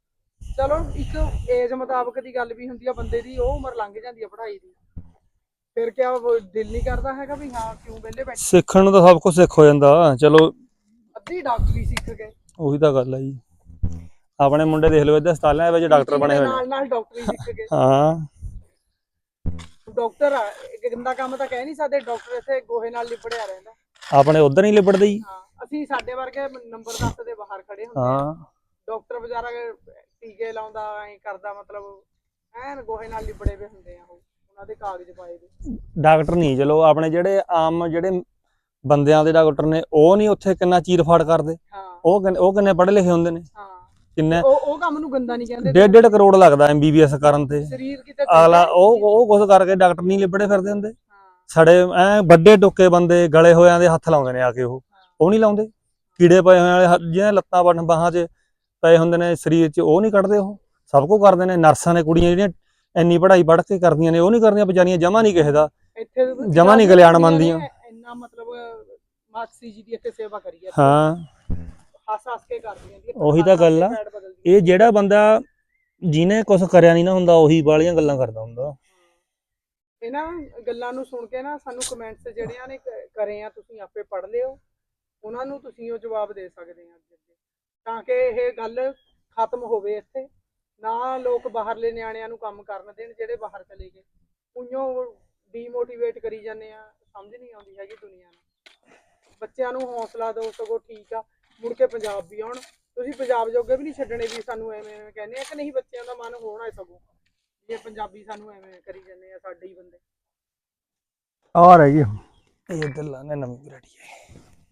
ਚਲੋ ਇੱਕ ਏਜ ਮੁਤਾਬਕ ਦੀ ਗੱਲ ਵੀ ਹੁੰਦੀ ਆ ਬੰਦੇ ਦੀ, ਉਹ ਉਮਰ ਲੰਘ ਜਾਂਦੀ ਆ ਪੜ੍ਹਾਈ ਦੀ, ਫਿਰ ਕਿਆ ਦਿਲ ਨਹੀਂ ਕਰਦਾ ਹੈਗਾ ਵੀ ਹਾਂ ਕਿਉਂ ਵਿਹਲੇ ਬੈਠੇ? ਸਿੱਖਣ ਨੂੰ ਤਾਂ ਸਭ ਕੁਝ ਸਿੱਖ ਹੋ ਜਾਂਦਾ, ਚਲੋ ਅੱਧੀ ਡਾਕਟਰੀ ਸਿੱਖ ਗਏ, ਉਹੀ ਤਾਂ ਗੱਲ ਆ ਜੀ। ਆਪਣੇ ਮੁੰਡੇ ਦੇਖ ਲਓ ਇੱਧਰ ਹਸਪਤਾਲਾਂ ਵਿੱਚ ਡਾਕਟਰ ਬਣੇ ਹੋਏ ਨੇ। ਨਾਲ ਡਾਕਟਰੀ ਸਿੱਖ ਗਏ। ਹਾਂ ਡਾਕਟਰ ਆ, ਇੱਕ ਗੰਦਾ ਕੰਮ ਤਾਂ ਕਹਿ ਨਹੀਂ ਸਕਦੇ, ਡਾਕਟਰ ਇੱਥੇ ਗੋਹੇ ਨਾਲ ਲਿਬੜਿਆ ਰਹਿੰਦਾ। ਆਪਣੇ ਉਧਰ ਨਹੀਂ ਲਿਬੜਦੇ ਜੀ। ਹਾਂ ਅਸੀਂ ਸਾਡੇ ਵਰਗੇ ਨੰਬਰ 10 ਦੇ ਬਾਹਰ ਖੜੇ ਹੁੰਦੇ ਆ, ਹਾਂ ਡਾਕਟਰ ਵਿਚਾਰਾ ਟੀਕੇ ਲਾਉਂਦਾ ਐ ਕਰਦਾ, ਮਤਲਬ ਐਨ ਗੋਹੇ ਨਾਲ ਲਿਬੜੇ ਵੇ ਹੁੰਦੇ ਆ, ਉਹਨਾਂ ਦੇ ਕਾਗਜ਼ ਪਾਏ ਵੇ। ਡਾਕਟਰ ਨਹੀਂ, ਚਲੋ ਆਪਣੇ ਜਿਹੜੇ ਆਮ ਜਿਹੜੇ ਬੰਦਿਆਂ ਦੇ ਡਾਕਟਰ ਨੇ ਉਹ ਨਹੀਂ ਉੱਥੇ ਕਿੰਨਾ ਚੀਰ ਫਾੜ ਕਰਦੇ। ਹਾਂ ਉਹ ਕਿੰਨੇ ਪੜ੍ਹੇ ਲਿਖੇ ਹੁੰਦੇ ਨੇ। ਹਾਂ ਕਿੰਨੇ ਉਹ ਕੰਮ ਨੂੰ ਗੰਦਾ ਨਹੀਂ ਕਹਿੰਦੇ। 1.5 ਕਰੋੜ ਲੱਗਦਾ MBBS ਕਰਨ ਤੇ। ਸਰੀਰ ਕਿਤੇ ਅਗਲਾ ਉਹ ਕੁਛ ਕਰਕੇ ਡਾਕਟਰ ਨਹੀਂ ਲਿਬੜੇ ਫਿਰਦੇ ਹੁੰਦੇ। ਹਾਂ ਸੜੇ ਐ ਵੱਡੇ ਟੁੱਕੇ ਬੰਦੇ ਗਲੇ ਹੋਇਆਂ ਦੇ ਹੱਥ ਲਾਉਂਦੇ ਨੇ ਆ ਕੇ, ਉਹ ਨਹੀਂ ਲਾਉਂਦੇ। ਕੀੜੇ ਪਏ ਹੋਏ ਵਾਲੇ ਜਿਹਨਾਂ ਲੱਤਾਂ ਬਾਹਾਂ 'ਚ ਪਏ ਹੁੰਦੇ ਨੇ ਸਰੀਰ 'ਚ, ਉਹ ਨਹੀਂ ਕੱਢਦੇ। ਉਹ ਸਭ ਕੁਝ ਕਰਦੇ ਨੇ। ਨਰਸਾਂ ਨੇ ਕੁੜੀਆਂ ਜਿਹੜੀਆਂ ਇੰਨੀ ਪੜ੍ਹਾਈ ਪੜ੍ਹ ਕੇ ਕਰਦੀਆਂ ਨੇ, ਉਹ ਨਹੀਂ ਕਰਦੀਆਂ ਵਿਚਾਰੀਆਂ, ਜਮਾ ਨਹੀਂ ਕਿਸੇ ਦਾ, ਇੱਥੇ ਜਮਾ ਨਹੀਂ ਕਲਿਆਣ ਮੰਨਦੀਆਂ। ਇੰਨਾ ਮਤਲਬ ਮਾਕਸੀ ਜੀ ਦੀ ਇੱਥੇ ਸੇਵਾ ਕਰੀ ਹੈ। ਹਾਂ ਹੱਸ ਕੇ ਕਰਦੀਆਂ ਨੇ। ਉਹੀ ਤਾਂ ਗੱਲ ਆ। ਇਹ ਜਿਹੜਾ ਬੰਦਾ ਜਿਹਨੇ ਕੁਝ ਕਰਿਆ ਨਹੀਂ ਨਾ ਹੁੰਦਾ, ਉਹੀ ਬਾਹਲੀਆਂ ਗੱਲਾਂ ਕਰਦਾ ਹੁੰਦਾ। ਇਹਨਾਂ ਗੱਲਾਂ ਨੂੰ ਸੁਣ ਕੇ ਨਾ ਸਾਨੂੰ ਕਮੈਂਟਸ ਜਿਹੜਿਆਂ ਨੇ ਕਰੇ ਆ, ਤੁਸੀਂ ਆਪੇ ਪੜ੍ਹ ਲਿਓ, ਉਹਨਾਂ ਨੂੰ ਤੁਸੀਂ ਉਹ ਜਵਾਬ ਦੇ ਸਕਦੇ ਆ ਅੱਗੇ, ਤਾਂ ਕਿ ਇਹ ਗੱਲ ਖਤਮ ਹੋਵੇ ਇੱਥੇ। ਨਾ ਲੋਕ ਬਾਹਰਲੇ ਨਿਆਣਿਆਂ ਨੂੰ ਕੰਮ ਕਰਨ ਦੇਣ ਜਿਹੜੇ ਬਾਹਰ ਚਲੇ ਗਏ, ਉਈਓ ਡੀਮੋਟੀਵੇਟ ਕਰੀ ਜਾਂਦੇ ਆ। ਸਮਝ ਨਹੀਂ ਆਉਂਦੀ ਹੈਗੀ ਦੁਨੀਆ ਨੂੰ। ਬੱਚਿਆਂ ਨੂੰ ਹੌਸਲਾ ਦਿਓ, ਸਗੋਂ ਠੀਕ ਆ, ਮੁੜ ਕੇ ਪੰਜਾਬ ਵੀ ਆਉਣ। ਤੁਸੀਂ ਪੰਜਾਬ ਜੋਗੇ ਵੀ ਨਹੀਂ ਛੱਡਣੇ ਵੀ ਸਾਨੂੰ ਐਵੇਂ ਕਹਿੰਦੇ ਆ ਕਿ ਨਹੀਂ, ਬੱਚਿਆਂ ਦਾ ਮਨ ਹੋਣਾ ਹੈ ਸਗੋਂ, ਜੇ ਪੰਜਾਬੀ ਸਾਨੂੰ ਐਵੇਂ ਕਰੀ ਜਾਂਦੇ ਆ, ਸਾਡੇ ਹੀ ਬੰਦੇ। ਆ ਰਹਿ ਗਈ ਇਹ ਇੱਧਰ ਲਾਣੇ ਨਵੀਂ ਵੈਰਾਈਟੀ ਹੈ।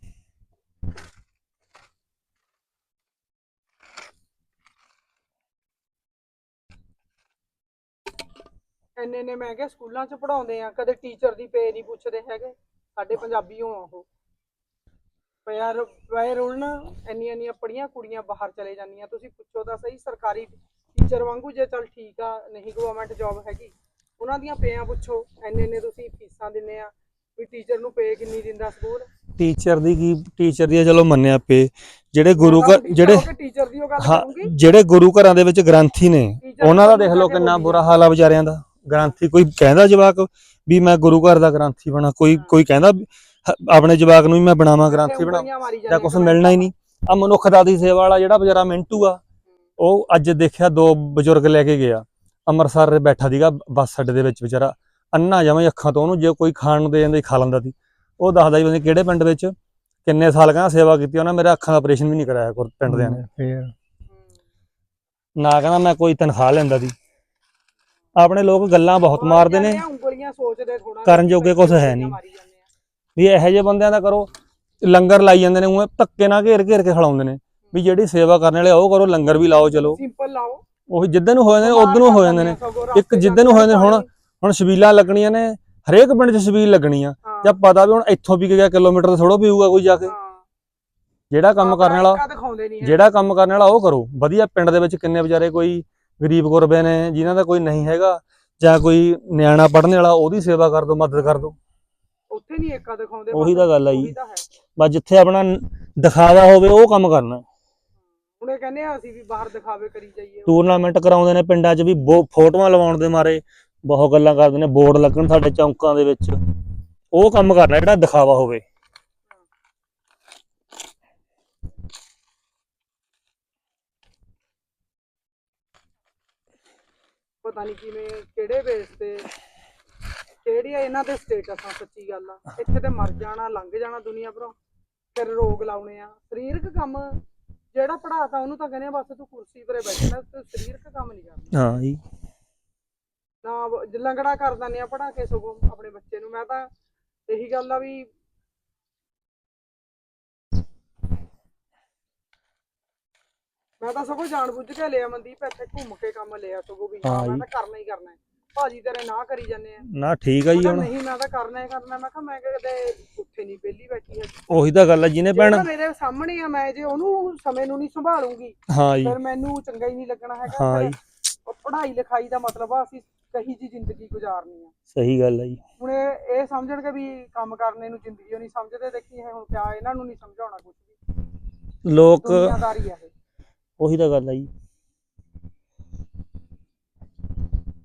ਇੰਨੇ ਮੈਂ ਕਿਹਾ ਸਕੂਲਾਂ 'ਚ ਪੜ੍ਹਾਉਂਦੇ ਆ, ਕਦੇ ਟੀਚਰ ਦੀ ਪੇ ਨਹੀਂ ਪੁੱਛਦੇ ਹੈਗੇ। ਸਾਡੇ ਪੰਜਾਬੀ ਹੋ ਉਹ ਪਏ ਰੁਲਣ, ਇੰਨੀਆਂ ਪੜ੍ਹੀਆਂ ਕੁੜੀਆਂ ਬਾਹਰ ਚਲੇ ਜਾਂਦੀਆਂ। ਤੁਸੀਂ ਪੁੱਛੋ ਤਾਂ ਸਹੀ, ਸਰਕਾਰੀ ਟੀਚਰ ਵਾਂਗੂ, ਜੇ ਚੱਲ ਠੀਕ ਆ, ਨਹੀਂ ਗਵਰਨਮੈਂਟ ਜੌਬ ਹੈਗੀ, ਉਹਨਾਂ ਦੀਆਂ ਪੇਆਂ ਪੁੱਛੋ। ਇੰਨੇ ਤੁਸੀਂ ਫੀਸਾਂ ਦਿੰਦੇ ਆ, ਵੀ ਟੀਚਰ ਨੂੰ ਪੇ ਕਿੰਨੀ ਦਿੰਦਾ ਸਕੂਲ? ਟੀਚਰ ਦੀ ਕੀ, ਟੀਚਰ ਦੀ ਚਲੋ ਮੰਨਿਆ ਪੇ, ਜਿਹੜੇ ਗੁਰੂ ਘਰ ਟੀਚਰ ਦੀ ਉਹ ਗੱਲ ਹਾਂ ਕਰੂੰਗੀ, ਜਿਹੜੇ ਗੁਰੂ ਘਰਾਂ ਦੇ ਵਿੱਚ ਗ੍ਰੰਥੀ ਨੇ, ਉਹਨਾਂ ਦਾ ਦੇਖ ਲਓ ਕਿੰਨਾ ਬੁਰਾ ਹਾਲ ਆ ਵਿਚਾਰਿਆਂ ਦਾ। ਗ੍ਰੰਥੀ, ਕੋਈ ਕਹਿੰਦਾ ਜਵਾਕ ਵੀ ਮੈਂ ਗੁਰੂ ਘਰ ਦਾ ਗ੍ਰੰਥੀ ਬਣਾ, ਕੋਈ ਕਹਿੰਦਾ ਆਪਣੇ ਜਵਾਕ ਨੂੰ ਵੀ ਮੈਂ ਬਣਾਵਾਂ, ਗ੍ਰੰਥੀ ਬਣਾ, ਜਾਂ ਕੁਛ ਮਿਲਣਾ ਹੀ ਨਹੀਂ। ਆ ਮਨੁੱਖਤਾ ਦੀ ਸੇਵਾ ਵਾਲਾ ਜਿਹੜਾ ਵਿਚਾਰਾ ਮਿੰਟੂ ਆ, ਉਹ ਅੱਜ ਦੇਖਿਆ 2 ਬਜ਼ੁਰਗ ਲੈ ਕੇ ਗਿਆ ਅੰਮ੍ਰਿਤਸਰ, ਬੈਠਾ ਸੀਗਾ ਬੱਸ ਅੱਡੇ ਦੇ ਵਿੱਚ, ਵਿਚਾਰਾ ਅੰਨਾ ਜਮਾਂ ਅੱਖਾਂ ਤੋਂ। ਉਹਨੂੰ ਜੇ ਕੋਈ ਖਾਣ ਨੂੰ ਦੇ ਜਾਂਦਾ ਖਾ ਲੈਂਦਾ ਸੀ। ਉਹ ਦੱਸਦਾ ਜੀ ਕਿਹੜੇ ਪਿੰਡ ਵਿੱਚ ਕਿੰਨੇ ਸਾਲ ਕਹਿੰਦਾ ਸੇਵਾ ਕੀਤੀ ਉਹਨਾਂ, ਮੇਰੇ ਅੱਖਾਂ ਦਾ ਆਪਰੇਸ਼ਨ ਵੀ ਨਹੀਂ ਕਰਾਇਆ ਪਿੰਡ ਦਿਆਂ ਨੇ। ਨਾ ਕਹਿੰਦਾ ਮੈਂ ਕੋਈ ਤਨਖਾਹ ਲੈਂਦਾ ਸੀ। ਆਪਣੇ ਲੋਕ ਗੱਲਾਂ ਬਹੁਤ ਮਾਰਦੇ ਨੇ, ਕਰਨ ਜੋਗੇ ਕੁਛ ਹੈ ਨਹੀਂ। ਵੀ ਇਹੋ ਜਿਹੇ ਬੰਦਿਆਂ ਦਾ ਕਰੋ। ਲੰਗਰ ਲਾਈ ਜਾਂਦੇ ਨੇ, ਉਹ ਧੱਕੇ ਨਾਲ ਘੇਰ ਕੇ ਖਿਲਾਉਂਦੇ ਨੇ ਵੀ ਜਿਹੜੀ ਸੇਵਾ ਕਰਨ ਵਾਲੇ ਉਹ ਕਰੋ, ਲੰਗਰ ਵੀ ਲਾਓ। ਚਲੋ ਉਹੀ ਜਿੱਦਾਂ ਨੂੰ ਹੋ ਜਾਂਦੇ ਨੇ ਉਧਰ ਨੂੰ ਹੋ ਜਾਂਦੇ ਨੇ। ਇੱਕ ਜਿੱਦਾਂ ਨੂੰ ਹੋ ਜਾਂਦੇ ਨੇ, ਹੁਣ ਛਬੀਲਾਂ ਲੱਗਣੀਆਂ ਨੇ, ਹਰੇਕ ਪਿੰਡ 'ਚ ਛਬੀਲ ਲੱਗਣੀ ਆ, ਜਾਂ ਪਤਾ ਵੀ ਹੁਣ ਇੱਥੋਂ ਵੀ ਗਿਆ ਕਿਲੋਮੀਟਰ ਤੋਂ ਥੋੜ੍ਹਾ ਪੀਊਗਾ ਕੋਈ ਜਾ ਕੇ। ਜਿਹੜਾ ਕੰਮ ਕਰਨ ਵਾਲਾ ਉਹ ਕਰੋ ਵਧੀਆ। ਪਿੰਡ ਦੇ ਵਿੱਚ ਕਿੰਨੇ ਵਿਚਾਰੇ ਕੋਈ ਗਰੀਬ ਗੁਰਬੇ ਨੇ ਜਿਨ੍ਹਾਂ ਦਾ ਕੋਈ ਨਹੀਂ ਹੈਗਾ, ਜਾਂ ਕੋਈ ਨਿਆਣਾ ਪੜ੍ਹਨ ਵਾਲਾ, ਉਹਦੀ ਸੇਵਾ ਕਰ ਦਿਓ, ਮਦਦ ਕਰ ਦਿਓ। ਉੱਥੇ ਨਹੀਂ ਏਕਾ ਦਿਖਾਉਂਦੇ। ਉਹੀ ਤਾਂ ਗੱਲ ਆ ਜੀ, ਬਸ ਜਿੱਥੇ ਆਪਣਾ ਦਿਖਾਵਾ ਹੋਵੇ ਉਹ ਕੰਮ ਕਰਨਾ। ਹੁਣ ਇਹ ਕਹਿੰਦੇ ਆ ਅਸੀਂ ਵੀ ਬਾਹਰ ਦਿਖਾਵੇ ਕਰੀ ਜਾਈਏ। ਟੂਰਨਾਮੈਂਟ ਕਰਾਉਂਦੇ ਨੇ ਪਿੰਡਾਂ 'ਚ ਵੀ, ਫੋਟੋਆਂ ਲਵਾਉਣ ਦੇ ਮਾਰੇ ਬਹੁਤ ਗੱਲਾਂ ਕਰਦੇ ਨੇ, ਬੋਰਡ ਲੱਗਣ ਸਾਡੇ ਚੌਂਕਾਂ ਦੇ ਵਿੱਚ, ਉਹ ਕੰਮ ਕਰਨਾ ਜਿਹੜਾ ਦਿਖਾਵਾ ਹੋਵੇ। ਪਤਾ ਨਹੀਂ ਕਿਵੇਂ, ਕਿਹੜੇ ਬੇਸ ਤੇ, ਕਿਹੜੀਆਂ ਇਹਨਾਂ ਦੇ ਸਟੇਟਸ ਆ। ਸੱਚੀ ਗੱਲ ਆ, ਇੱਥੇ ਤੇ ਮਰ ਜਾਣਾ, ਲੰਘ ਜਾਣਾ ਦੁਨੀਆ ਭਰੋਂ, ਫਿਰ ਰੋਗ ਲਾਉਣੇ ਆ। ਸਰੀਰਕ ਕੰਮ ਜਿਹੜਾ ਪੜਾਤਾ ਉਹਨੂੰ ਤਾਂ ਕਹਿੰਦੇ ਬਸ ਤੂੰ ਕੁਰਸੀ ਪਰੇ ਬੈਠਣਾ, ਤੂੰ ਸਰੀਰਕ ਕੰਮ ਨਹੀਂ ਕਰਨਾ। ਹਾਂ ਜੀ, ਨਾ ਲੰਗੜਾ ਕਰ ਦਿੰਦੇ ਆ ਪੜਾ ਕੇ ਸਗੋਂ ਆਪਣੇ ਬੱਚੇ ਨੂੰ। ਮੈਂ ਤਾਂ ਇਹੀ ਗੱਲ ਆ ਵੀ ਮੈਂ ਤਾਂ ਸਗੋਂ ਜਾਣ ਬੁੱਝ ਕੇ ਲਿਆ ਮਨਦੀਪ, ਇੱਥੇ ਘੁੰਮ ਕੇ ਕੰਮ ਲਿਆ ਸਗੋਂ ਵੀ ਹਾਂ ਮੈਂ ਤਾਂ ਕਰਨਾ ਹੀ ਕਰਨਾ। ਭਾਜੀ ਤੇਰੇ ਨਾ ਕਰੀ ਜਾਂਦੇ ਆ ਨਾ ਠੀਕ ਆ ਜੀ। ਹੁਣ ਨਹੀਂ ਮੈਂ ਤਾਂ ਕਰਨਾ ਹੀ ਕਰਨਾ। ਮੈਂ ਕਿਹਾ ਮੈਂ ਕਦੇ ਉੱਥੇ ਨਹੀਂ ਵਿਹਲੀ ਬੈਠੀ ਹੈ। ਉਹੀ ਤਾਂ ਗੱਲ ਆ, ਜਿਹਨੇ ਭੈਣ ਮੇਰੇ ਸਾਹਮਣੇ ਆ, ਮੈਂ ਜੇ ਉਹਨੂੰ ਸਮੇਂ ਨੂੰ ਨਹੀਂ ਸੰਭਾਲੂਗੀ ਹਾਂ ਜੀ, ਫਿਰ ਮੈਨੂੰ ਚੰਗਾ ਹੀ ਨਹੀਂ ਲੱਗਣਾ ਹੈਗਾ। ਹਾਂ ਜੀ, ਪੜ੍ਹਾਈ ਲਿਖਾਈ ਦਾ ਮਤਲਬ ਆ ਅਸੀਂ ਕਹੀ ਜੀ ਜ਼ਿੰਦਗੀ ਗੁਜ਼ਾਰਨੀ ਆ। ਸਹੀ ਗੱਲ ਆ ਜੀ। ਹੁਣ ਇਹ ਸਮਝਣਗੇ ਵੀ ਕੰਮ ਕਰਨੇ ਨੂੰ ਜ਼ਿੰਦਗੀ ਉਹ ਨਹੀਂ ਸਮਝਦੇ। ਦੇਖੀ ਹੁਣ ਕਿਆ ਇਹਨਾਂ ਨੂੰ ਨਹੀਂ ਸਮਝਾਉਣਾ ਕੁਝ ਵੀ, ਲੋਕ ਦੁਨੀਆਦਾਰੀ ਆ ਇਹ। ਉਹੀ ਤਾਂ ਗੱਲ ਆ ਜੀ।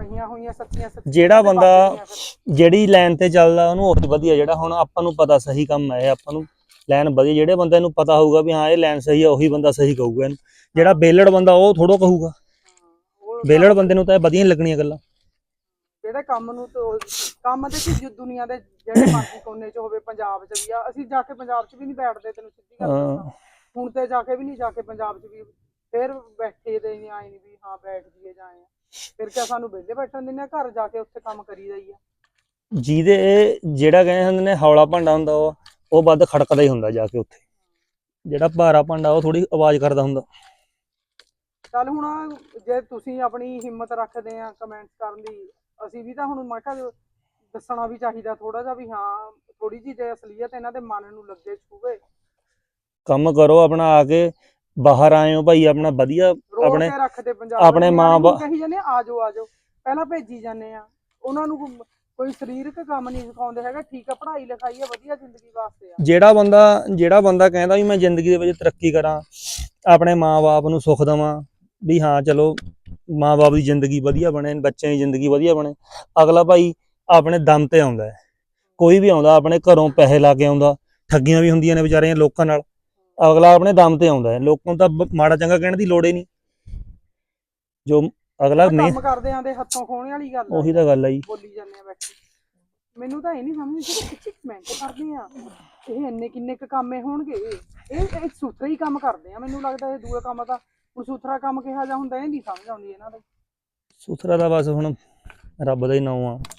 ਬਣੀਆਂ ਹੋਈਆਂ ਸੱਚੀਆਂ ਜਿਹੜਾ ਬੰਦਾ ਫਿਰ। ਜਿਹੜੀ ਲਾਈਨ ਤੇ ਚੱਲਦਾ ਉਹਨੂੰ ਉਹ ਵਧੀਆ। ਜਿਹੜਾ ਹੁਣ ਆਪਾਂ ਨੂੰ ਪਤਾ ਸਹੀ ਕੰਮ ਹੈ, ਆਪਾਂ ਨੂੰ ਲਾਈਨ ਵਧੀਆ, ਜਿਹੜੇ ਬੰਦੇ ਨੂੰ ਪਤਾ ਹੋਊਗਾ ਵੀ ਹਾਂ ਇਹ ਲਾਈਨ ਸਹੀ ਆ, ਉਹੀ ਬੰਦਾ ਸਹੀ ਕਹੂਗਾ ਇਹਨੂੰ। ਜਿਹੜਾ ਬੇਲੜ ਬੰਦਾ ਉਹ ਥੋੜੋ ਕਹੂਗਾ। ਉਹ ਬੇਲੜ ਬੰਦੇ ਨੂੰ ਤਾਂ ਇਹ ਵਧੀਆ ਨਹੀਂ ਲੱਗਣੀਆਂ ਗੱਲਾਂ। ਜਿਹੜੇ ਕੰਮ ਨੂੰ ਕੰਮ ਦੇ ਕਿ ਦੁਨੀਆ ਦੇ ਜਿਹੜੇ ਮਰਜ਼ੀ ਕੋਨੇ 'ਚ ਹੋਵੇ, ਪੰਜਾਬ 'ਚ ਵੀ ਆ, ਅਸੀਂ ਜਾ ਕੇ ਪੰਜਾਬ 'ਚ ਵੀ ਨਹੀਂ ਬੈਠਦੇ, ਤੈਨੂੰ ਸਿੱਧੀ ਗੱਲ ਦੱਸਾਂ। ਹੁਣ ਤੇ ਜਾ ਕੇ ਵੀ ਨਹੀਂ, ਜਾ ਕੇ ਪੰਜਾਬ 'ਚ ਵੀ ਫਿਰ ਬੈਠੇ ਦੇ ਨਹੀਂ, ਆਏ ਨਹੀਂ ਵੀ ਹਾਂ ਬੈਠ ਜੀਏ ਜਾਏ। ਫਿਰ ਕਿਆ ਸਾਨੂੰ ਵਿਹਲੇ ਬੈਠਣ ਦਿੰਦੇ ਆ, ਘਰ ਜਾ ਕੇ ਉੱਥੇ ਕੰਮ ਕਰੀਦਾ ਹੀ ਆ। ਜਿਹੜਾ ਕਹਿੰਦੇ ਹੁੰਦੇ ਨੇ ਹੌਲਾ ਭਾਂਡਾ ਹੁੰਦਾ ਉਹ ਵੱਧ ਖੜਕਦਾ ਹੀ ਹੁੰਦਾ ਜਾ ਕੇ ਉੱਥੇ। ਜਿਹੜਾ ਭਾਰਾ ਭਾਂਡਾ ਉਹ ਥੋੜੀ ਆਵਾਜ਼ ਕਰਦਾ ਹੁੰਦਾ। ਚੱਲ ਹੁਣ ਜੇ ਤੁਸੀਂ ਆਪਣੀ ਹਿੰਮਤ ਰੱਖਦੇ ਆ ਕਮੈਂਟਸ ਕਰਨ ਦੀ, ਅਸੀਂ ਵੀ ਤਾਂ ਹੁਣ ਮੈਂ ਕਿਹਾ ਦੱਸਣਾ ਵੀ ਚਾਹੀਦਾ ਥੋੜਾ ਜਿਹਾ ਵੀ ਹਾਂ ਥੋੜੀ ਜਿਹੀ ਜੇ ਅਸਲੀਅਤ ਇਹਨਾਂ ਦੇ ਮਨ ਨੂੰ ਲੱਗੇ, ਛੂਵੇ। ਕੰਮ ਕਰੋ ਆਪਣਾ, ਆ ਕੇ ਬਾਹਰ ਆਏ ਹੋ ਭਾਈ, ਆਪਣਾ ਵਧੀਆ ਆਪਣੇ ਰੱਖਦੇ ਪੰਜਾਬ ਆਪਣੇ ਮਾਂ ਬਾਪ ਕਹੀ ਜਾਂਦੇ ਆ ਜਾਓ ਪਹਿਲਾਂ ਭੇਜੀ ਜਾਂਦੇ ਆ ਉਹਨਾਂ ਨੂੰ। ਕੋਈ ਸਰੀਰਕ ਕੰਮ ਨਹੀਂ ਸਿਖਾਉਂਦੇ ਹੈਗਾ। ਠੀਕ ਆ, ਪੜ੍ਹਾਈ ਲਿਖਾਈ ਆ, ਵਧੀਆ ਜ਼ਿੰਦਗੀ ਵਾਸਤੇ ਆ। ਜਿਹੜਾ ਬੰਦਾ ਕਹਿੰਦਾ ਵੀ ਮੈਂ ਜ਼ਿੰਦਗੀ ਦੇ ਵਿੱਚ ਤਰੱਕੀ ਕਰਾਂ, ਆਪਣੇ ਮਾਂ ਬਾਪ ਨੂੰ ਸੁੱਖ ਦੇਵਾਂ, ਵੀ ਹਾਂ ਚਲੋ ਮਾਂ ਬਾਪ ਦੀ ਜ਼ਿੰਦਗੀ ਵਧੀਆ ਬਣੇ, ਬੱਚਿਆਂ ਦੀ ਜ਼ਿੰਦਗੀ ਵਧੀਆ ਬਣੇ, ਅਗਲਾ ਭਾਈ ਆਪਣੇ ਦਮ ਤੇ ਆਉਂਦਾ ਹੈ। ਕੋਈ ਵੀ ਆਉਂਦਾ ਆਪਣੇ ਘਰੋਂ ਪੈਸੇ ਲਾ ਕੇ ਆਉਂਦਾ, ਠੱਗੀਆਂ ਵੀ ਹੁੰਦੀਆਂ ਨੇ ਵਿਚਾਰਿਆਂ ਲੋਕਾਂ ਨਾਲ, ਅਗਲਾ ਆਪਣੇ ਦਮ ਤੇ ਆਉਂਦਾ ਹੈ। ਲੋਕਾਂ ਨੂੰ ਤਾਂ ਮਾੜਾ ਚੰਗਾ ਕਹਿਣ ਦੀ ਲੋੜ ਹੀ ਨਹੀਂ। ਜੋ ਅਗਲਾ ਕੰਮ ਕਰਦੇ ਆਂਦੇ ਹੱਥੋਂ ਖੋਹਣੇ ਵਾਲੀ ਗੱਲ, ਉਹੀ ਤਾਂ ਗੱਲ ਆ ਜੀ। ਬੋਲੀ ਜਾਂਦੇ ਆ ਬੈਠੇ। ਮੈਨੂੰ ਤਾਂ ਇਹ ਨਹੀਂ ਸਮਝ ਜਿਹੜੇ ਕਿੱਥੇ ਕਮੈਂਟ ਕਰਦੇ ਆ, ਇਹ ਇੰਨੇ ਕਿੰਨੇ ਕੁ ਕੰਮੇ ਹੋਣਗੇ। ਇਹ ਸੁਥਰੇ ਹੀ ਕੰਮ ਕਰਦੇ ਆ, ਮੈਨੂੰ ਲੱਗਦਾ ਇਹ ਦੂਏ ਕੰਮ ਤਾਂ ਹੁਣ ਸੁਥਰਾ ਕੰਮ ਕਿਹਾ ਜਾ ਹੁੰਦਾ, ਇਹ ਨਹੀਂ ਸਮਝ ਆਉਂਦੀ ਇਹਨਾਂ ਦਾ। ਸੁਥਰਾ ਤਾਂ ਬਸ ਹੁਣ ਰੱਬ ਦਾ ਹੀ ਨਾਮ ਆ।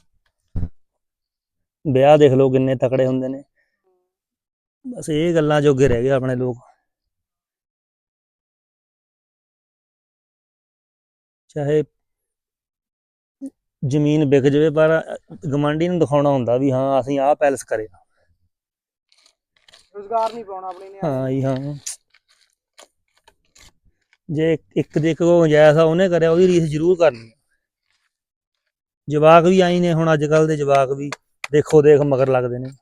ਵਿਆਹ ਦੇਖ ਲਓ ਕਿੰਨੇ ਤਕੜੇ ਹੁੰਦੇ ਨੇ, ਬਸ ਇਹ ਗੱਲਾਂ ਜੋਗੇ ਰਹਿ ਗਏ ਆਪਣੇ ਲੋਕ। ਚਾਹੇ ਜ਼ਮੀਨ ਵਿਕ ਜਾਵੇ, ਪਰ ਗਵਾਂਢੀ ਨੂੰ ਦਿਖਾਉਣਾ ਹੁੰਦਾ ਵੀ ਹਾਂ ਅਸੀਂ ਆਹ ਪੈਲਸ ਕਰਿਆ। ਰੁਜ਼ਗਾਰ ਨਹੀਂ ਪਾਉਣਾ ਆਪਣੇ ਨੇ। ਹਾਂ ਜੀ ਹਾਂ। ਜੇ ਇੱਕ ਦੇ ਇੱਕ ਗੁੰਜਾਇਸ਼ ਆ ਉਹਨੇ ਕਰਿਆ, ਉਹਦੀ ਰੀਸ ਜ਼ਰੂਰ ਕਰਨੀ। ਜਵਾਕ ਵੀ ਆਈ ਨੇ ਹੁਣ, ਅੱਜ ਕੱਲ ਦੇ ਜਵਾਕ ਵੀ ਦੇਖੋ ਦੇਖ ਮਗਰ ਲੱਗਦੇ ਨੇ।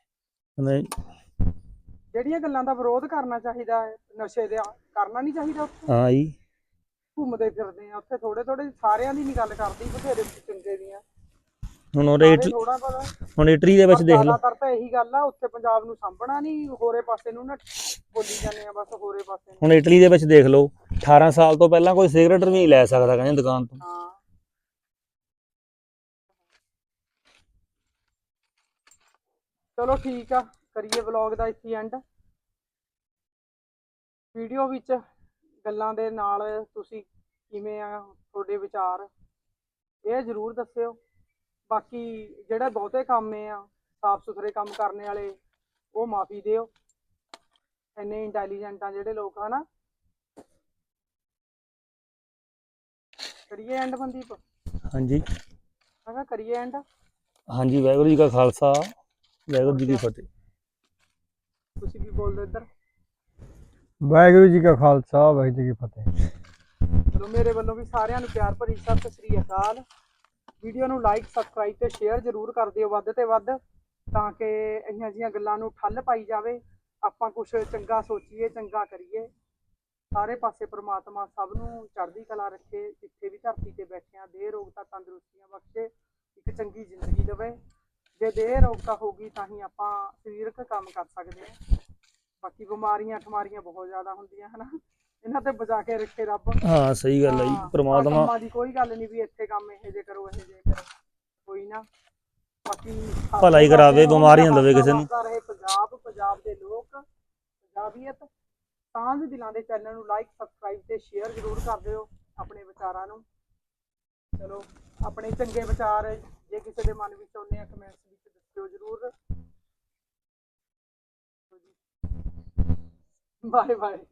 ਜਿਹੜੀਆਂ ਗੱਲਾਂ ਦਾ ਵਿਰੋਧ ਕਰਨਾ ਚਾਹੀਦਾ ਹੈ, ਨਸ਼ੇ ਦਾ ਕਰਨਾ ਨਹੀਂ ਚਾਹੀਦਾ। ਹਾਂ ਜੀ, ਘੁੰਮਦੇ ਫਿਰਦੇ ਆ ਉੱਥੇ, ਥੋੜੇ ਸਾਰਿਆਂ ਦੀ ਨਹੀਂ ਗੱਲ ਕਰਦੀ, ਬਥੇਰੇ ਚੰਗੇ ਦੀਆਂ। ਹੁਣ ਥੋੜਾ ਪਤਾ ਹੁਣ ਇਟਲੀ ਦੇ ਵਿੱਚ ਦੇਖ ਲਓ, ਜ਼ਿਆਦਾਤਰ ਤਾਂ ਇਹੀ ਗੱਲ ਆ, ਉੱਥੇ ਪੰਜਾਬ ਨੂੰ ਸਾਂਭਣਾ ਨਹੀਂ, ਹੋਰੇ ਪਾਸੇ ਨੂੰ ਨਾ ਬੋਲੀ ਜਾਂਦੇ ਆ ਬਸ, ਹੋਰੇ ਪਾਸੇ। ਹੁਣ ਇਟਲੀ ਦੇ ਵਿੱਚ ਦੇਖ ਲਓ, 18 ਸਾਲ ਤੋਂ ਪਹਿਲਾਂ ਕੋਈ ਸਿਗਰਟ ਵੀ ਨਹੀਂ ਲੈ ਸਕਦਾ ਕਹਿੰਦੇ ਦੁਕਾਨ ਤੋਂ। ਹਾਂ ਚਲੋ ਠੀਕ ਆ, ਕਰੀਏ ਵਲੌਗ ਦਾ ਇੱਥੇ ਐਂਡ। ਵੀਡੀਓ ਵਿੱਚ ਗੱਲਾਂ ਦੇ ਨਾਲ ਤੁਸੀਂ ਕਿਵੇਂ ਆ, ਤੁਹਾਡੇ ਵਿਚਾਰ ਇਹ ਜ਼ਰੂਰ ਦੱਸਿਓ। ਬਾਕੀ ਜਿਹੜੇ ਬਹੁਤੇ ਕੰਮ ਆ ਸਾਫ ਸੁਥਰੇ ਕੰਮ ਕਰਨੇ ਵਾਲੇ, ਉਹ ਮਾਫੀ ਦਿਓ। ਇੰਨੇ ਇੰਟੈਲੀਜੈਂਟ ਆ ਜਿਹੜੇ ਲੋਕ, ਹਨਾ। ਕਰੀਏ ਐਂਡ ਮਨਦੀਪ? ਹਾਂਜੀ ਮੈਂ ਕਿਹਾ ਕਰੀਏ ਐਂਡ। ਹਾਂਜੀ, ਵਾਹਿਗੁਰੂ ਜੀ ਕਾ ਖਾਲਸਾ, ਵਾਹਿਗੁਰੂ ਜੀ ਕੀ ਫਤਿਹ। ਤੁਸੀਂ ਵੀ ਬੋਲ ਦਿਓ ਇੱਧਰ। ਵਾਹਿਗੁਰੂ ਜੀ ਕਾ ਖਾਲਸਾ, ਵਾਹਿਗੁਰੂ ਜੀ ਕੀ ਫਤਿਹ। ਚਲੋ ਮੇਰੇ ਵੱਲੋਂ ਵੀ ਸਾਰਿਆਂ ਨੂੰ ਪਿਆਰ ਭਰੀ ਸਤਿ ਸ੍ਰੀ ਅਕਾਲ। ਵੀਡੀਓ ਨੂੰ ਲਾਈਕ, ਸਬਸਕ੍ਰਾਈਬ ਤੇ ਸ਼ੇਅਰ ਜ਼ਰੂਰ ਕਰ ਦਿਓ ਵੱਧ ਤੇ ਵੱਧ, ਤਾਂ ਕਿ ਇਹੀਆਂ ਜਿਹੀਆਂ ਗੱਲਾਂ ਨੂੰ ਠੱਲ ਪਾਈ ਜਾਵੇ। ਆਪਾਂ ਕੁਛ ਚੰਗਾ ਸੋਚੀਏ, ਚੰਗਾ ਕਰੀਏ। ਸਾਰੇ ਪਾਸੇ ਪ੍ਰਮਾਤਮਾ ਸਭ ਨੂੰ ਚੜ੍ਹਦੀ ਕਲਾ ਰੱਖੇ। ਜਿੱਥੇ ਵੀ ਧਰਤੀ ਤੇ ਬੈਠਿਆਂ ਦੇਹ ਰੋਗਤਾ ਤੰਦਰੁਸਤੀਆਂ ਬਖਸ਼ੇ, ਇੱਕ ਚੰਗੀ ਜ਼ਿੰਦਗੀ ਦੇਵੇ। ਜੇ ਦੇਹ ਰੋਗਤਾ ਹੋਊਗੀ ਤਾਂ ਹੀ ਆਪਾਂ ਸਰੀਰਕ ਕੰਮ ਕਰ ਸਕਦੇ ਹਾਂ। ਬਾਕੀ ਬਿਮਾਰੀਆਂ ਠਮਾਰੀਆਂ ਬਹੁਤ ਜ਼ਿਆਦਾ ਹੁੰਦੀਆਂ ਹਨਾ, ਇਹਨਾਂ ਤੇ ਬਚਾ ਕੇ ਰੱਖੇ ਰੱਬ। ਹਾਂ ਸਹੀ ਗੱਲ ਹੈ ਜੀ, ਪ੍ਰਮਾਤਮਾ। ਕੰਮਾਂ ਦੀ ਕੋਈ ਗੱਲ ਨਹੀਂ ਵੀ ਇੱਥੇ ਕੰਮ ਇਹ ਜੇ ਕਰੋ, ਇਹ ਜੇ ਕਰੋ, ਕੋਈ ਨਾ। ਬਾਕੀ ਭਲਾ ਹੀ ਕਰਾਵੇ, ਬਿਮਾਰੀਆਂ ਦੇਵੇ ਕਿਸੇ ਨੂੰ। ਰਹੇ ਪੰਜਾਬ ਦੇ ਲੋਕ, ਪੰਜਾਬੀਅਤ। ਸਾਂਝ ਦਿਲਾਂ ਦੇ ਚੈਨਲ ਨੂੰ ਲਾਈਕ, ਸਬਸਕ੍ਰਾਈਬ ਤੇ ਸ਼ੇਅਰ ਜ਼ਰੂਰ ਕਰ ਦਿਓ ਆਪਣੇ ਵਿਚਾਰਾਂ ਨੂੰ। ਚਲੋ ਆਪਣੇ ਚੰਗੇ ਵਿਚਾਰ ਜੇ ਕਿਸੇ ਦੇ ਮਨ ਵਿੱਚ ਆਉਂਦੇ ਆ, ਕਮੈਂਟਸ ਵਿੱਚ ਦੱਸਿਓ ਜ਼ਰੂਰ। Bye bye.